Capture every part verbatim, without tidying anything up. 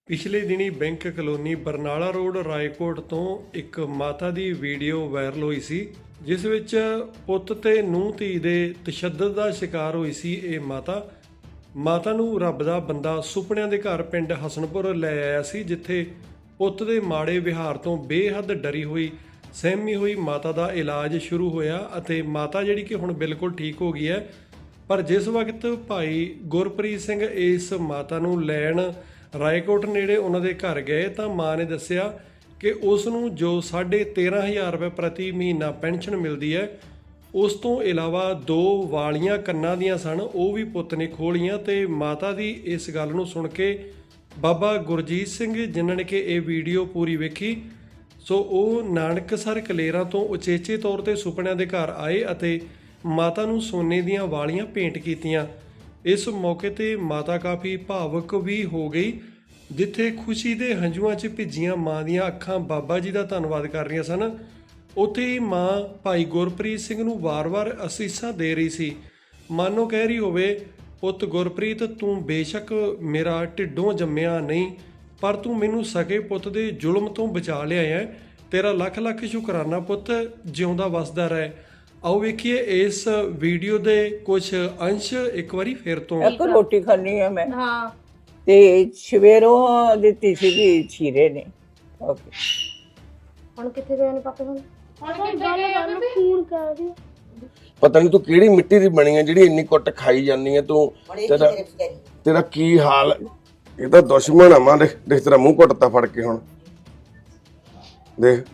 ਪਿਛਲੇ ਦਿਨੀ bank colony Barnala road Raikot ਤੋਂ ਇੱਕ ਮਾਤਾ ਦੀ ਵੀਡੀਓ ਵਾਇਰਲ ਹੋਈ ਸੀ ਜਿਸ ਵਿੱਚ ਪੁੱਤ ਤੇ ਨੂੰਹ ਧੀ ਦੇ ਤਸ਼ੱਦਦ ਦਾ ਸ਼ਿਕਾਰ ਹੋਈ ਸੀ। ਇਹ ਮਾਤਾ ਮਾਤਾ ਨੂੰ ਰੱਬ ਦਾ ਬੰਦਾ ਸੁਪਨਿਆਂ ਦੇ ਘਰ ਪਿੰਡ ਹਸਨਪੁਰ ਲੈ ਆਇਆ ਸੀ, ਜਿੱਥੇ ਪੁੱਤ ਦੇ ਮਾੜੇ ਵਿਹਾਰ ਤੋਂ ਬੇਹੱਦ ਡਰੀ ਹੋਈ ਸਹਿਮੀ ਹੋਈ ਮਾਤਾ ਦਾ ਇਲਾਜ ਸ਼ੁਰੂ ਹੋਇਆ ਅਤੇ ਮਾਤਾ ਜਿਹੜੀ ਕਿ ਹੁਣ ਬਿਲਕੁਲ ਠੀਕ ਹੋ ਗਈ ਹੈ। ਪਰ ਜਿਸ ਵਕਤ ਭਾਈ ਗੁਰਪ੍ਰੀਤ ਸਿੰਘ ਇਸ ਮਾਤਾ ਨੂੰ ਲੈਣ ਰਾਏਕੋਟ ਨੇੜੇ ਉਹਨਾਂ ਦੇ ਘਰ ਗਏ ਤਾਂ ਮਾਂ ਨੇ ਦੱਸਿਆ ਕਿ ਉਸ ਨੂੰ ਜੋ ਸਾਢੇ ਤੇਰ੍ਹਾਂ ਹਜ਼ਾਰ ਰੁਪਏ ਪ੍ਰਤੀ ਮਹੀਨਾ ਪੈਨਸ਼ਨ ਮਿਲਦੀ ਹੈ, ਉਸ ਤੋਂ ਇਲਾਵਾ ਦੋ ਵਾਲੀਆਂ ਕੰਨਾਂ ਦੀਆਂ ਸਨ, ਉਹ ਵੀ ਪੁੱਤ ਨੇ ਖੋਲੀਆਂ। ਤੇ ਮਾਤਾ ਦੀ ਇਸ ਗੱਲ ਨੂੰ ਸੁਣ ਕੇ ਬਾਬਾ ਗੁਰਜੀਤ ਸਿੰਘ ਜਿਨ੍ਹਾਂ ਨੇ ਕਿ ਇਹ ਵੀਡੀਓ ਪੂਰੀ ਵੇਖੀ, ਸੋ ਉਹ ਨਾਨਕਸਰ ਕਲੇਰਾਂ ਤੋਂ ਉਚੇਚੇ ਤੌਰ ਤੇ ਸੁਪਨਿਆਂ ਦੇ ਘਰ ਆਏ ਅਤੇ ਮਾਤਾ ਨੂੰ ਸੋਨੇ ਦੀਆਂ ਵਾਲੀਆਂ ਭੇਂਟ ਕੀਤੀਆਂ। ਇਸ ਮੌਕੇ ਤੇ ਮਾਤਾ ਕਾਫੀ ਭਾਵੁਕ ਵੀ ਹੋ ਗਈ, ਜਿੱਥੇ ਖੁਸ਼ੀ ਦੇ ਹੰਝੂਆਂ 'ਚ ਭਿੱਜੀਆਂ ਮਾਂ ਦੀਆਂ ਅੱਖਾਂ ਬਾਬਾ ਜੀ ਦਾ ਧੰਨਵਾਦ ਕਰ ਰਹੀਆਂ ਸਨ, ਉੱਥੇ ਹੀ ਮਾਂ ਭਾਈ ਗੁਰਪ੍ਰੀਤ ਸਿੰਘ ਨੂੰ ਵਾਰ-ਵਾਰ ਅਸੀਸਾਂ ਦੇ ਰਹੀ ਸੀ। ਮਾਨੋ ਕਹਿ ਰਹੀ ਹੋਵੇ, ਪੁੱਤ ਗੁਰਪ੍ਰੀਤ, ਤੂੰ ਬੇਸ਼ੱਕ ਮੇਰਾ ਢਿੱਡੋਂ ਜੰਮਿਆ ਨਹੀਂ, ਪਰ ਤੂੰ ਮੈਨੂੰ ਸਕੇ ਪੁੱਤ ਦੇ ਜ਼ੁਲਮ ਤੋਂ ਬਚਾ ਲਿਆ ਹੈ। ਤੇਰਾ ਲੱਖ ਲੱਖ ਸ਼ੁਕਰਾਨਾ ਪੁੱਤ, ਜਿਉਂਦਾ ਵਸਦਾ ਰਹਿ। आओ वेखिए इस वीडियो दे कुछ अंश एक बारी फिर तो। एक रोटी खानी है मैं। हाँ ते सवेरों दित्ती सीगी छीरे ने। ओके ਹੁਣ ਕਿੱਥੇ ਗਏ ਨੇ ਪਾਪੇ ਹੁਣ ਹੁਣ ਗੱਲ ਗੱਲ ਫੋਨ ਕਰ ਰਹੀ ਪਤਾ ਨਹੀਂ ਤੂੰ ਕਿਹੜੀ ਮਿੱਟੀ ਦੀ ਬਣੀ ਹੈ ਜਿਹੜੀ ਇੰਨੀ ਕੁੱਟ ਖਾਈ ਜਾਂਦੀ ਹੈ ਤੂੰ। ਤੇਰਾ ਤੇਰਾ ਕੀ ਹਾਲ? ਇਹ ਤਾਂ ਦੁਸ਼ਮਣ ਆ ਮਾਂ। ਦੇਖ ਦੇਖ ਤੇਰਾ ਮੂੰਹ ਘੁੱਟਤਾ ਫੜ ਕੇ ਹੁਣ ਦੇਖ।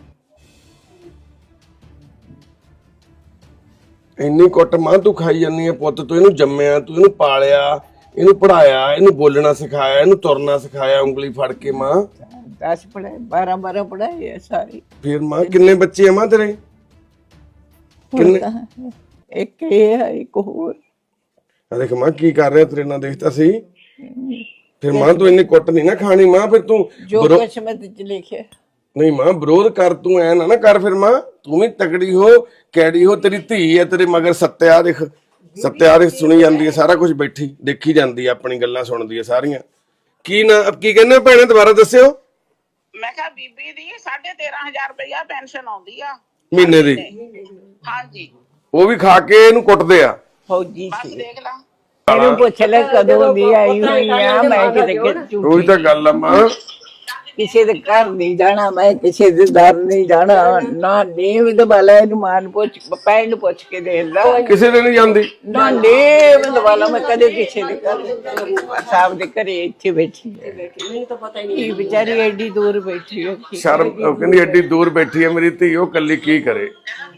ਇੰਨੀ ਕੁੱਟ ਮਾਂ ਤੂੰ ਖਾਈ ਜਾਂਦੀ ਹੈ। ਪੁੱਤ ਤੂੰ ਇਹਨੂੰ ਜੰਮਿਆ, ਤੂੰ ਇਹਨੂੰ ਪਾਲਿਆ, ਇਹਨੂੰ ਪੜਾਇਆ, ਇਹਨੂੰ ਬੋਲਣਾ ਸਿਖਾਇਆ, ਇਹਨੂੰ ਤੁਰਨਾ ਸਿਖਾਇਆ ਉਂਗਲੀ ਫੜ ਕੇ ਮਾਂ। दस पढ़ाए बारह बारह पढ़ाए है सारी। ਫਿਰ ਮਾਂ ਕਿੰਨੇ ਬੱਚੇ ਆ ਮਾਂ ਤੇਰੇ? ਕਿੰਨੇ? एक ये है एक और। ਆ ਦੇਖ ਮਾਂ ਕੀ ਕਰ ਰਿਹਾ ਤੇਰੇ ਨਾਲ, ਦੇਖਤਾ ਸੀ। ਫਿਰ ਮਾਂ ਤੂੰ ਇੰਨੀ ਕੁੱਟ ਨਹੀਂ ਨਾ ਖਾਣੀ ਮਾਂ। ਫਿਰ ਤੂੰ जो ਵਿਰੋ- किस्मत च लिखे। ਨਹੀਂ ਮਾਂ ਵਿਰੋਧ ਕਰ, ਤੂੰ ਐ ਨਾ ਨਾ ਕਰ। ਫਿਰ ਮਾਂ ਤੂੰ ਵੀ ਤਕੜੀ ਹੋ, ਕੈੜੀ ਹੋ। ਤੇਰੀ ਧੀ ਹੈ ਤੇਰੇ ਮਗਰ ਸੱਤਿਆ, ਦੇਖ ਸੱਤਿਆ ਦੇਖ, ਸੁਣੀ ਜਾਂਦੀ ਹੈ ਸਾਰਾ ਕੁਝ, ਬੈਠੀ ਦੇਖੀ ਜਾਂਦੀ ਹੈ, ਆਪਣੀ ਗੱਲਾਂ ਸੁਣਦੀ ਹੈ ਸਾਰੀਆਂ। ਕੀ ਨਾ ਕੀ ਕਹਿੰਦੇ ਭੈਣੇ, ਦੁਬਾਰਾ ਦੱਸਿਓ। ਮੈਂ ਕਿਹਾ ਬੀਬੀ ਦੀ ਸਾਢੇ ਤੇਰ੍ਹਾਂ ਹਜ਼ਾਰ ਰੁਪਇਆ ਪੈਨਸ਼ਨ ਆਉਂਦੀ ਆ ਮਹੀਨੇ ਦੀ। ਹਾਂਜੀ ਉਹ ਵੀ ਖਾ ਕੇ ਇਹਨੂੰ ਕੁੱਟਦੇ ਆ। फौजी ਬਸ सी ਦੇਖ ਲਾ। ਇਹਨੂੰ ਪੁੱਛ ਲੈ ਕਦੋਂ ਦੀ ਆਈ ਹੋਈ ਆ। ਮੈਂ ਕਿਤੇ ਉਹੀ ਤਾਂ ਗੱਲ ਆ ਮਾਂ। ਕਿਸੇ ਦੇ ਘਰ ਨਹੀਂ ਜਾਣਾ, ਮੈਂ ਕਿਸੇ ਦੇ ਦਰ ਨਹੀਂ ਜਾਣਾ। ਨਾ ਨੀਵ ਦਬਾਲਾ ਇਹਨੂੰ ਮਾਨ ਪੁੱਛ ਪੈਣ ਨੂੰ ਪੁੱਛ ਕੇ ਦੇਖ ਲਾ। ਕਿਸੇ ਦੇ ਨਹੀਂ ਜਾਂਦੀ ਨਾ ਨੀਵ ਦਬਾਲਾ ਮੈਂ ਕਦੇ ਕਿਸੇ ਦੇ ਘਰ ਸਾਹਿਬ ਦੇ ਘਰੇ ਇੱਥੇ ਬੈਠੀ ਹੈ। ਮੈਨੂੰ ਤਾਂ ਪਤਾ ਹੀ ਨਹੀਂ ਵਿਚਾਰੀ ਐਡੀ ਦੂਰ ਬੈਠੀ ਹੈ। ਸ਼ਰਮ, ਉਹ ਕਹਿੰਦੀ ਐਡੀ ਦੂਰ ਬੈਠੀ ਹੈ ਮੇਰੀ ਧੀ, ਉਹ ਕੱਲੀ ਕੀ ਕਰੇ।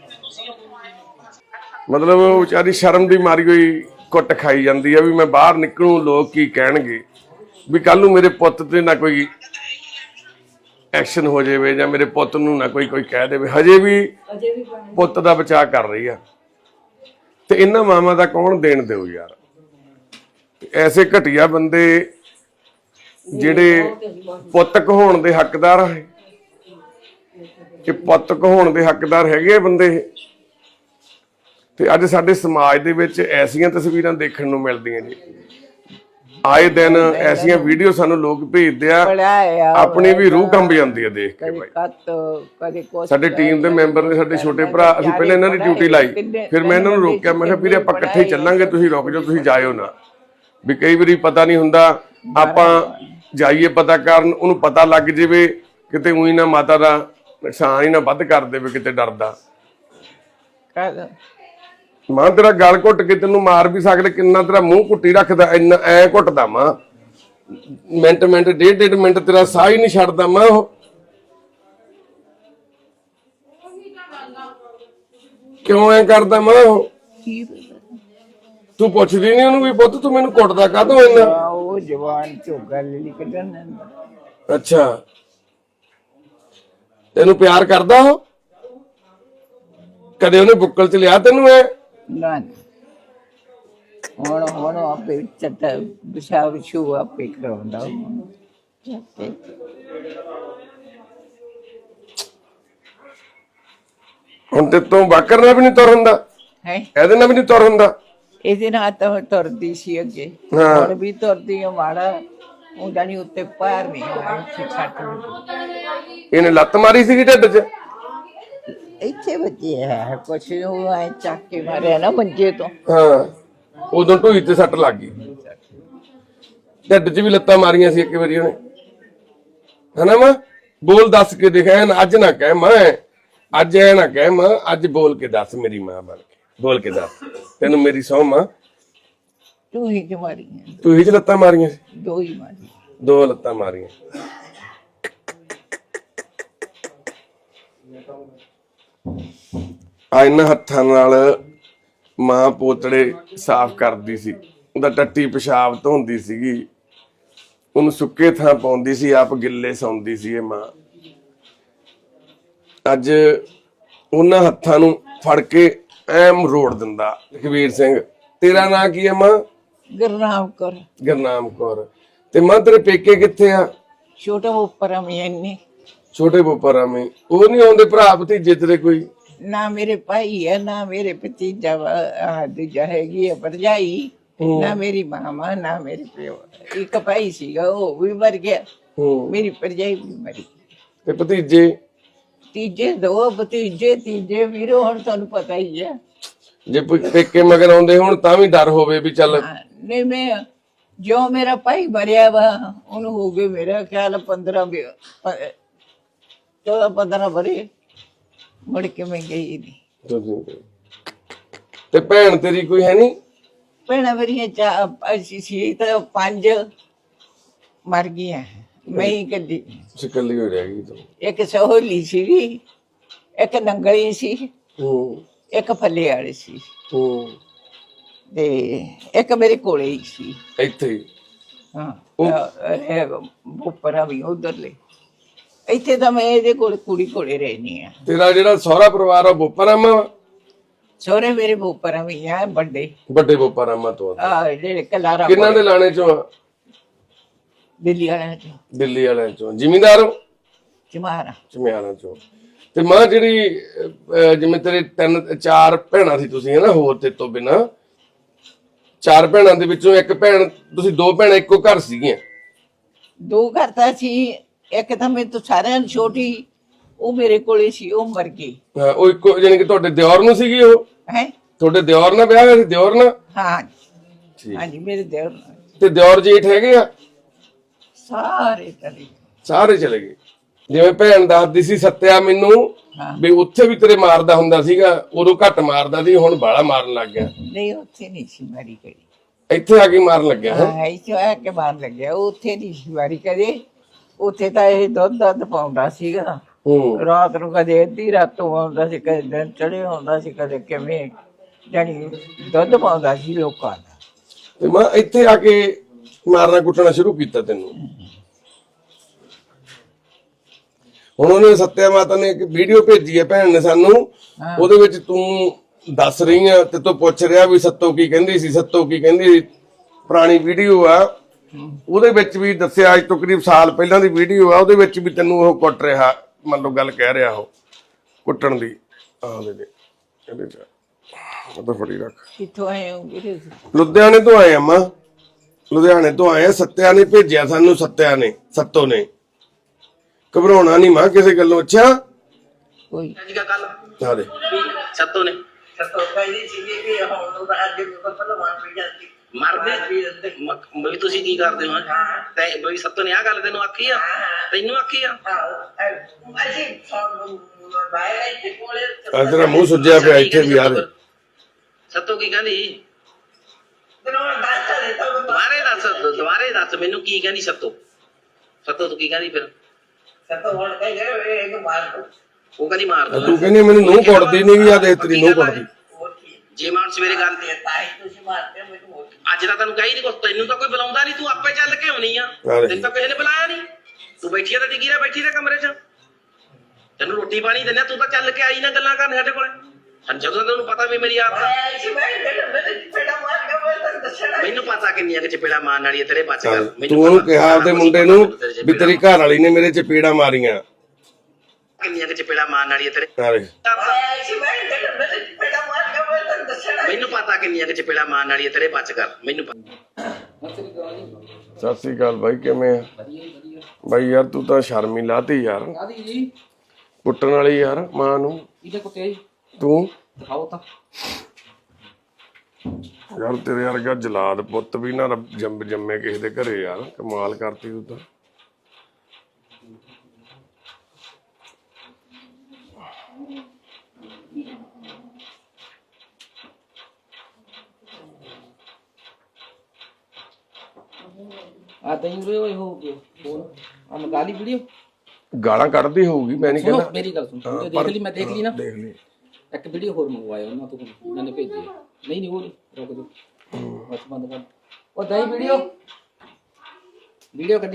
ਮਤਲਬ ਉਹ ਵਿਚਾਰੀ ਸ਼ਰਮ ਦੀ ਮਾਰੀ ਹੋਈ ਕੁੱਟ ਖਾਈ ਜਾਂਦੀ ਆ ਵੀ ਮੈਂ ਬਾਹਰ ਨਿਕਲੂ ਲੋਕ ਕੀ ਕਹਿਣਗੇ, ਵੀ ਕੱਲ ਨੂੰ ਮੇਰੇ ਪੁੱਤ ਤੇ ਨਾ ਕੋਈ ਐਕਸ਼ਨ ਹੋ ਜਾਵੇ ਜਾਂ ਮੇਰੇ ਪੁੱਤ ਨੂੰ ਨਾ ਕੋਈ ਕੋਈ ਕਹਿ ਦੇਵੇ। ਹਜੇ ਵੀ ਪੁੱਤ ਦਾ ਬਚਾਅ ਕਰ ਰਹੀ ਆ। ਤੇ ਇਹਨਾਂ ਮਾਵਾਂ ਦਾ ਕੌਣ ਦੇਣ ਦਿਓ ਯਾਰ। ਐਸੇ ਘਟੀਆ ਬੰਦੇ ਜਿਹੜੇ ਪੁੱਤ ਕਹਾਉਣ ਦੇ ਹੱਕਦਾਰ ਆ, ਕਿ ਪੁੱਤ ਕਹਾਉਣ ਦੇ ਹੱਕਦਾਰ ਹੈਗੇ ਬੰਦੇ। ਤੇ ਅੱਜ ਸਾਡੇ ਸਮਾਜ ਦੇ ਵਿੱਚ ਐਸੀਆਂ ਤਸਵੀਰਾਂ ਦੇਖਣ ਨੂੰ ਮਿਲਦੀਆਂ ਜੀ। ਆਏ ਦਿਨ ਐਸੀਆਂ ਵੀਡੀਓ ਸਾਨੂੰ ਲੋਕ ਭੇਜਦੇ ਆ, ਆਪਣੀ ਵੀ ਰੂਹ ਕੰਬ ਜਾਂਦੀ ਹੈ ਦੇਖ ਕੇ। ਬਾਈ ਸਾਡੇ ਟੀਮ ਦੇ ਮੈਂਬਰ ਨੇ, ਸਾਡੇ ਛੋਟੇ ਭਰਾ, ਅਸੀਂ ਪਹਿਲਾਂ ਇਹਨਾਂ ਦੀ ਡਿਊਟੀ ਲਾਈ, ਫਿਰ ਮੈਂ ਇਹਨਾਂ ਨੂੰ ਰੋਕਿਆ। ਮੈਂ ਕਿਹਾ ਵੀਰੇ ਆਪਾਂ ਇਕੱਠੇ ਹੀ ਚੱਲਾਂਗੇ, ਤੁਸੀਂ ਰੁਕ ਜਾਓ, ਤੁਸੀਂ ਜਾਇਓ ਨਾ। ਵੀ ਕਈ ਵਾਰੀ ਪਤਾ ਨਹੀਂ ਹੁੰਦਾ, ਆਪਾਂ ਜਾਈਏ ਪਤਾ ਕਰਨ, ਉਹਨੂੰ ਪਤਾ ਲੱਗ ਜਾਵੇ ਕਿਤੇ ਉਹੀ ਨਾ ਮਾਤਾ ਦਾ ਨੁਕਸਾਨ ਹੀ ਨਾ ਵੱਧ ਕਰ ਦੇਵੇ ਕਿਤੇ ਡਰਦਾ। ਮਾਂ ਤੇਰਾ ਗਲ ਘੁੱਟ ਕੇ ਤੈਨੂੰ ਮਾਰ ਵੀ ਸਕਦੇ, ਕਿੰਨਾ ਤੇਰਾ ਮੂੰਹ ਘੁੱਟੀ ਰੱਖਦਾ, ਇੰਨਾ ਐ ਘੁੱਟਦਾ ਮਾਂ। ਮਿੰਟ ਮਿੰਟ ਡੇਢ ਡੇਢ ਮਿੰਟ ਤੇਰਾ ਸਾਹ ਹੀ ਨਹੀਂ ਛੱਡਦਾ ਮਾਂ। ਉਹ ਕਿਉਂ ਐ ਕਰਦਾ ਮਾਂ? ਉਹ ਤੂੰ ਪੁੱਛਦੀ ਨਹੀਂ ਉਹਨੂੰ ਵੀ ਪੁੱਤ ਤੂੰ ਮੈਨੂੰ ਕੁੱਟਦਾ ਕਾਹਤੋਂ ਇੰਨਾ? ਉਹ ਜਵਾਨ ਚੋਂ ਗੱਲ ਨਹੀਂ ਕੱਢਣ। ਅੱਛਾ, ਤੈਨੂੰ ਪਿਆਰ ਕਰਦਾ ਉਹ? ਕਦੇ ਉਹਨੇ ਬੁੱਕਲ ਚ ਲਿਆ ਤੈਨੂੰ? ਐ ਨਾ ਹੁਣ ਹੁਣ ਆਪੇ ਚੱਟਾ ਵਿਸ਼ਾ ਵਿਸ਼ੂ ਆਪੇ ਕਰਾਉਂਦਾ। ਹੁਣ ਤੇ ਤੂੰ ਬਾਕਰ ਨਾਲ ਵੀ ਨਹੀਂ ਤੁਰ ਹੁੰਦਾ, ਹੈ ਇਹਦੇ ਨਾਲ ਵੀ ਨਹੀਂ ਤੁਰ ਹੁੰਦਾ। ਇਹਦੇ ਨਾਲ ਤਾਂ ਤੁਰਦੀ ਸੀ ਅੱਗੇ, ਹਾਂ। ਹੁਣ ਵੀ ਤੁਰਦੀ ਆ ਮਾੜਾ। ਉਹ ਜਾਨੀ ਉੱਤੇ ਪੈਰ ਨਹੀਂ ਹੋਇਆ ਇੱਥੇ ਛੱਟ ਲੱਗੀ। ਇਹਨੇ ਲੱਤ ਮਾਰੀ ਸੀਗੀ ਢਿੱਡ 'ਚ? ਇੱਥੇ ਵੱਜੀ ਹੈ ਕੁਛ ਉਹ ਐ ਚੱਕ ਕੇ ਮਾਰਿਆ ਨਾ ਮੰਜੇ ਤੋਂ। ਹਾਂ, ਉਦੋਂ ਢੂਈ ਤੇ ਸੱਟ ਲੱਗ ਗਈ। ਢਿੱਡ 'ਚ ਵੀ ਲੱਤਾਂ ਮਾਰੀਆਂ ਸੀ ਇੱਕ ਵਾਰੀ ਉਹਨੇ, ਹਨਾ ਮਾਂ? ਬੋਲ ਦੱਸ ਕੇ ਦਿਖਾ ਨਾ, ਅੱਜ ਨਾ ਕਹਿ ਮਾਂ, ਅੱਜ ਐ ਨਾ ਕਹਿ ਮਾਂ, ਅੱਜ ਬੋਲ ਕੇ ਦੱਸ ਮੇਰੀ ਮਾਂ ਬਣ ਕੇ, ਬੋਲ ਕੇ ਦੱਸ। ਤੈਨੂੰ ਮੇਰੀ ਸਹੁੰ ਮਾਂ, ਤੂੰ ਹੀ ਕਿ ਮਾਰੀਆਂ? ਤੂੰ ਹੀ 'ਚ ਲੱਤਾਂ ਮਾਰੀਆਂ ਸੀ? ਦੋ ਹੀ ਮਾਰੀ। ਦੋ ਲੱਤਾਂ ਮਾਰੀਆਂ। ਆ ਇਹਨਾਂ ਹੱਥਾਂ ਨਾਲ ਮਾਂ ਪੋਤੜੇ ਸਾਫ਼ ਕਰਦੀ ਸੀ, ਉਹਦਾ ਟੱਟੀ ਪਿਸ਼ਾਬ ਧੋਂਦੀ ਸੀਗੀ, ਉਹਨੂੰ ਸੁੱਕੇ ਥਾਂ ਪਾਉਂਦੀ ਸੀ, ਆਪ ਗਿੱਲੇ ਸੌਂਦੀ ਸੀ ਇਹ ਮਾਂ। ਅੱਜ ਉਹਨਾਂ ਹੱਥਾਂ ਨੂੰ ਫੜ ਕੇ ਐ ਮਰੋੜ ਦਿੰਦਾ। ਕਬੀਰ ਸਿੰਘ, ਤੇਰਾ ਨਾਂ ਕੀ ਹੈ ਮਾਂ? ਗੁਰਨਾਮ ਕੌਰ। ਗੁਰਨਾਮ ਕੌਰ। ਤੇ ਮਾਂ ਤੇਰੇ ਪੇਕੇ ਕਿੱਥੇ ਆ? ਛੋਟਾ ਉੱਪਰ ਮੈਂ ਇੰਨੀ ਛੋਟੇ ਬੋਪਰਾ ਮੇ। ਉਹ ਨਹੀਂ ਆਉਂਦੇ ਭਰਾ ਭਤੀਜੇ ਤੇਰੇ ਕੋਈ? ਨਾ ਮੇਰੇ ਭਾਈ ਹੈ ਨਾ ਮੇਰੇ ਭਤੀਜਾ ਵਾ- ਦੂਜਾ ਹੈਗੀ ਹੈ ਭਰਜਾਈ, ਨਾ ਮੇਰੀ ਮਾਮਾ ਨਾ ਮੇਰੇ ਪਿਓ। ਇੱਕ ਭਾਈ ਸੀਗਾ ਉਹ ਵੀ ਮਰ ਗਿਆ, ਹੂੰ। ਮੇਰੀ ਭਰਜਾਈ ਵੀ ਮਰੀ। ਤੇ ਭਤੀਜੇ? ਤੀਜੇ ਦੋ ਭਤੀਜੇ, ਤੀਜੇ ਵੀਰੋ ਹੁਣ ਤੁਹਾਨੂੰ ਪਤਾ ਹੀ ਹੈ। ਜੇ ਪ- ਪੇਕੇ ਮਗਰ ਆਉਂਦੇ ਹੁਣ ਤਾਂ ਵੀ ਡਰ ਹੋਵੇ ਵੀ ਚੱਲ। ਹਾਂ, ਨਹੀਂ ਮੈਂ ਜੋ ਮੇਰਾ ਭਾਈ ਮਰਿਆ ਵਾ ਉਹਨੂੰ ਹੋ ਗਏ ਮੇਰਾ ਖਿਆਲ ਪੰਦਰਾਂ ਚੌਦਾਂ ਪੰਦਰਾਂ ਵਰੇ, ਮੁੜ ਕੇ ਮੈਂ ਗਈ ਨਹੀਂ। ਤੇ ਭੈਣ ਤੇਰੀ ਕੋਈ ਹੈ ਨਹੀਂ? ਭੈਣਾਂ ਮੇਰੀਆਂ ਚਾ ਅਸੀਂ ਸੀ ਤਾਂ ਪੰਜ ਮਰ ਗਈਆਂ, ਮੈਂ ਹੀ ਇਕੱਲੀ। ਇਕੱਲੀ ਹੋ ਰਹਿ ਗਈ ਤੂੰ। ਇੱਕ ਸਹੋਲੀ ਸੀਗੀ, ਇੱਕ ਨੰਗਲੀ ਸੀ, ਹੂੰ ਇੱਕ ਫੱਲੇ ਵਾਲੀ ਸੀ, ਹੂੰ। ਤੇ ਇੱਕ ਮੇਰੇ ਕੋਲੇ ਹੀ ਸੀ। ਇੱਥੇ ਹੀ? ਹਾਂ, ਉੱਪਰ ਵੀ ਉਧਰਲੇ। ਇੱਥੇ ਤਾਂ ਮੈਂ ਇਹਦੇ ਕੋਲ ਕੁੜੀ ਕੋਲੇ ਰਹਿਣੀ ਆ। ਤੇਰਾ ਜਿਹੜਾ ਸਹੁਰਾ ਪਰਿਵਾਰ ਆ ਬੋਪਰਾਮਾ? ਸਹੁਰੇ ਮੇਰੇ ਉੱਪਰ ਵੀ ਆ ਵੱਡੇ ਵੱਡੇ ਬੋਪਰਾਮਾ ਤੋਂ। ਆ ਜਿਹੜੇ ਕਲਾਰਾ ਕਿੰਨਾਂ ਦੇ ਲਾਣੇ ਚੋਂ ਆ? ਦਿੱਲੀ ਵਾਲਿਆਂ ਚੋਂ। ਦਿੱਲੀ ਵਾਲਿਆਂ ਚੋਂ। ਜ਼ਿਮੀਂਦਾਰ ਹੋ? ਚਮਾਰਾ ਚਮਿਆਰਾਂ ਚੋਂ। ਤੇ ਮਾਂ ਜਿਹੜੀ ਅਹ, ਜਿਵੇਂ ਤੇਰੇ ਤਿੰਨ ਚਾਰ ਭੈਣਾਂ ਸੀ ਤੁਸੀਂ, ਹਨਾ, ਹੋਰ ਤੇ ਤੋਂ ਬਿਨਾਂ ਚਾਰ ਭੈਣਾਂ ਦੇ ਵਿੱਚੋਂ ਇੱਕ ਭੈਣ, ਤੁਸੀਂ ਦੋ ਭੈਣਾਂ ਇੱਕੋ ਘਰ ਸੀਗੀਆਂ? ਦੋ ਘਰ ਤਾਂ ਸੀ, ਇੱਕ ਤਾਂ ਮੇਰੇ ਤੋਂ ਸਾਰਿਆਂ ਨੂੰ ਛੋਟੀ, ਉਹ ਮੇਰੇ ਕੋਲੇ ਸੀ, ਉਹ ਮਰ ਗਈ। ਹਾਂ, ਉਹ ਇੱਕੋ, ਜਾਣੀ ਕਿ ਤੁਹਾਡੇ ਦਿਓਰ ਨੂੰ ਸੀਗੀ ਉਹ? ਹੈ ਤੁਹਾਡੇ ਦਿਓਰ ਨਾਲ ਵਿਆਹ ਹੋਇਆ ਸੀ? ਦਿਓਰ ਨਾਲ? ਹਾਂ ਠੀਕ। ਹਾਂਜੀ, ਮੇਰੇ ਦੇਵਰ ਨਾਲ। ਤੇ ਦਿਓਰ ਜੇਠ ਹੈਗੇ ਆ? ਸਾਰੇ ਚਲੇ ਸਾਰੇ ਚਲੇ ਗਏ। ਜਿਵੇਂ ਭੈਣ ਦੱਸਦੀ ਸੀ ਸੱਤਿਆ ਮੈਨੂੰ ਹਾਂ। ਵੀ ਉੱਥੇ ਵੀ ਤੇਰੇ ਮਾਰਦਾ ਹੁੰਦਾ ਸੀਗਾ, ਉਦੋਂ ਘੱਟ ਮਾਰਦਾ ਸੀ, ਹੁਣ ਬਾਹਲਾ ਮਾਰਨ ਲੱਗ ਗਿਆ। ਨਹੀਂ, ਉੱਥੇ ਨਹੀਂ ਸੀ ਮਾਰੀ ਕਰੀ। ਇੱਥੇ ਆ ਕੇ ਮਾਰਨ ਲੱਗਿਆ ਹੈ? ਹਾਂ, ਇੱਥੇ ਆ ਕੇ ਮਾਰ ਲੱਗਿਆ, ਉੱਥੇ ਨਹੀਂ ਸੀ ਮਾਰੀ ਕਦੇ। ਉੱਥੇ ਤਾਂ ਇਹ ਦੁੱਧ ਦੱਧ ਪਾਉਂਦਾ ਸੀਗਾ, ਹੂੰ। ਰਾਤ ਨੂੰ ਕਦੇ ਅੱਧੀ ਰਾਤੋਂ ਆਉਂਦਾ ਸੀ, ਕਦੇ ਦਿਨ ਚੜੇ ਆਉਂਦਾ ਸੀ, ਕਦੇ ਕਿਵੇਂ, ਜਾਣੀ ਦੁੱਧ ਪਾਉਂਦਾ ਸੀ ਲੋਕਾਂ ਦਾ। ਤੇ ਮੈਂ ਇੱਥੇ ਆ ਕੇ ਮਾਰਨਾ ਕੁੱਟਣਾ ਸ਼ੁਰੂ ਕੀਤਾ ਤੈਨੂੰ? ਹੁਣ ਉਹਨੇ ਸੱਤਿਆ ਮਾਤਾ ਨੇ ਇੱਕ ਵੀਡੀਓ ਭੇਜੀ ਹੈ ਭੈਣ ਨੇ ਸਾਨੂੰ, ਉਹਦੇ ਵਿੱਚ ਤੂੰ ਦੱਸ ਰਹੀ ਆ ਤੇ ਤੂੰ ਪੁੱਛ ਰਿਹਾ ਵੀ ਸੱਤੋ ਕੀ ਕਹਿੰਦੀ ਸੀ, ਸੱਤੋ ਕੀ ਕਹਿੰਦੀ ਸੀ। ਪੁਰਾਣੀ ਵੀਡੀਓ ਆ, ਉਹਦੇ ਵਿੱਚ ਵੀ ਦੱਸਿਆ, ਅੱਜ ਤੋਂ ਕਰੀਬ ਸਾਲ ਪਹਿਲਾਂ ਦੀ ਵੀਡੀਓ ਆ, ਉਹਦੇ ਵਿੱਚ ਵੀ ਤੈਨੂੰ ਉਹ ਕੁੱਟ ਰਿਹਾ, ਮੰਨ ਲਓ ਗੱਲ ਕਹਿ ਰਿਹਾ ਉਹ ਕੁੱਟਣ ਦੀ। ਆਹ ਦੇ ਦੇ ਇਹਦੇ ਚ ਉਹ ਤਾਂ ਫੜੀ ਰੱਖ। ਕਿੱਥੋਂ ਆਏ ਹੋ ਵੀਰੇ? ਲੁਧਿਆਣੇ ਤੋਂ ਆਏ ਅੰਮਾ, ਲੁਧਿਆਣੇ ਤੋਂ ਆਏ ਆ। ਸੱਤਿਆ ਨੇ ਭੇਜਿਆ ਸਾਨੂੰ, ਸੱਤਿਆ ਨੇ, ਸੱਤੋ ਨੇ। ਘਬਰਾਉਣਾ ਨਹੀਂ ਮਾਂ ਕਿਸੇ ਗੱਲੋਂ। ਅੱਛਾ ਕੋਈ ਆ ਦੇ ਸੱਤੋ ਨੇ ਸਤੋ ਪਹਿਲੀ ਸੀਗੀ ਵੀ ਹੁਣ ਅੱਜ ਵੀ ਪਤਾ ਮਾਰ ਪਈ ਜਾਂਦੀ ਮਰਦੇ ਬਈ ਤੁਸੀਂ ਕੀ ਕਰਦੇ ਹੋ? ਤੇ ਬਈ ਸੱਤੋ ਨੇ ਆ ਗੱਲ ਤੈਨੂੰ ਆਖੀ ਆ? ਤੈਨੂੰ ਆਖੀ ਆ? ਅਸੀਂ ਬਾਹਰ ਇੱਥੇ ਕੋਲੇ ਆ ਤੇਰਾ ਮੂੰਹ ਸੁੱਜਿਆ ਪਿਆ ਇੱਥੇ ਵੀ ਯਾਰ। ਸੱਤੋ ਕੀ ਕਹਿੰਦੀ? ਦੁਬਾਰਾ ਦੱਸ ਦੇ ਤਾਂ ਦੁਬਾਰੇ ਦੱਸ, ਦੁਬਾਰੇ ਦੱਸ ਮੈਨੂੰ ਕੀ ਕਹਿੰਦੀ ਸੱਤੋ? ਸੱਤੋ ਤੂੰ ਕੀ ਕਹਿੰਦੀ ਫਿਰ? ਸਤੋ ਹੁਣ ਕਹੇ ਗਏ ਇਹ ਨੂੰ ਮਾਰ ਦੋ। ਉਹ ਕਹਿੰਦੀ ਮਾਰ ਦੋ। ਤੂੰ ਕਹਿੰਦੀ ਮੈਨੂੰ ਨੂੰਹ ਕੁੱਟਦੀ ਨਹੀਂ, ਆ ਦੇਖ ਤੇਰੀ ਨੂੰਹ ਕੁੱਟਦੀ। ਜੇ ਮੈਂ ਹੁਣ ਸਵੇਰੇ ਗੱਲ ਤੇ ਤਾਈ ਤੁਸੀਂ ਮਾਰਦੇ ਮੈਨੂੰ। ਅੱਜ ਤਾਂ ਤੈਨੂੰ ਕਹੀ ਨਹੀਂ ਕੁਛ, ਤੈਨੂੰ ਤਾਂ ਕੋਈ ਬੁਲਾਉਂਦਾ ਨਹੀਂ, ਤੂੰ ਆਪੇ ਚੱਲ ਕੇ ਆਉਣੀ ਆ। ਤੈਨੂੰ ਤਾਂ ਕਿਸੇ ਨੇ ਬੁਲਾਇਆ ਨਹੀਂ, ਤੂੰ ਬੈਠੀ ਆ ਤਾਂ ਟਿਕੀ ਰਹਿ, ਬੈਠੀ ਰਹਿ ਕਮਰੇ 'ਚ। ਤੈਨੂੰ ਰੋਟੀ ਪਾਣੀ ਦਿੰਦੇ, ਤੂੰ ਤਾਂ ਚੱਲ ਕੇ ਆਈ ਨਾ ਗੱਲਾਂ ਕਰਨ ਸਾਡੇ ਕੋਲੇ। ਜਦੋਂ ਤੈਨੂੰ ਪਤਾ ਵੀ ਮੇਰੀ ਆਦਤ ਆ। ਮੈਨੂੰ ਪਤਾ ਕਿੰਨੀਆਂ ਕਿ ਚਪੇੜਾ ਮਾਰਨ ਵਾਲੀ ਤੇਰੇ ਬਚ ਕਰ। ਤੂੰ ਉਹਨੂੰ ਕਿਹਾ ਆਪਦੇ ਮੁੰਡੇ ਨੂੰ ਵੀ ਤੇਰੀ ਘਰ ਵਾਲੀ ਨੇ ਮੇਰੇ ਚਪੇੜਾ ਮਾਰੀਆਂ। ਕਿੰਨੀਆਂ ਕਿ ਚਪੇੜਾ ਮਾਰਨ ਵਾਲੀ ਤੇਰੇ। ਮੈਨੂੰ ਪਤਾ ਕਿੰਨੀਆਂ ਕਿ ਚਪੇੜਾ ਮਾਰਨ ਵਾਲੀ ਤੇਰੇ ਬਚ ਕਰ। ਮੈਨੂੰ ਸਤਿ ਸ੍ਰੀ ਅਕਾਲ ਬਾਈ, ਕਿਵੇਂ ਆ ਬਾਈ? ਯਾਰ ਤੂੰ ਤਾਂ ਸ਼ਰਮ ਹੀ ਲਾਤੀ ਯਾਰ, ਜੀ ਕੁੱਟਣ ਵਾਲੀ ਯਾਰ ਮਾਂ ਨੂੰ। ਇਹਦੇ ਕੁੱਤੇ ਜੀ ਤੂੰ ਦਿਖਾਓ ਤਾਂ ਯਾਰ ਤੇਰੇ ਵਰਗਾ ਜਲਾਦ ਪੁੱਤ ਵੀ ਨਾ ਜੰਮ ਜੰਮੇ ਕਿਸੇ ਦੇ ਘਰੇ ਯਾਰ, ਕਮਾਲ ਕਰਤੀ ਤੂੰ ਤਾਂ। ਆ ਤੈਨੂੰ ਰੇ ਹੋਏ ਹੋ ਬੋਲ ਆ ਮਗਾਲੀ ਵੀਡੀਓ ਗਾਲਾਂ ਕੱਢਦੀ ਹੋਊਗੀ, ਮੈਂ ਨਹੀਂ ਸੁਣੋ ਕਹਿੰਦਾ। ਮੇਰੀ ਗੱਲ ਸੁਣ ਵੀਡੀਓ ਦੇਖ ਲਈ, ਮੈਂ ਦੇਖ ਲਈ ਨਾ। ਦੇਖ ਲਈ। ਇੱਕ ਵੀਡੀਓ ਹੋਰ ਮੰਗਵਾਇਆ ਉਹਨਾਂ ਤੋਂ, ਉਹਨਾਂ ਨੇ ਭੇਜੀ। ਨਹੀਂ ਨਹੀਂ ਉਹ ਰੁਕ ਜਾ, ਬਸ ਬੰਦ ਕਰ। ਉਹ ਦਈ ਵੀਡੀਓ ਵੀਡੀਓ ਕੱਢੀ।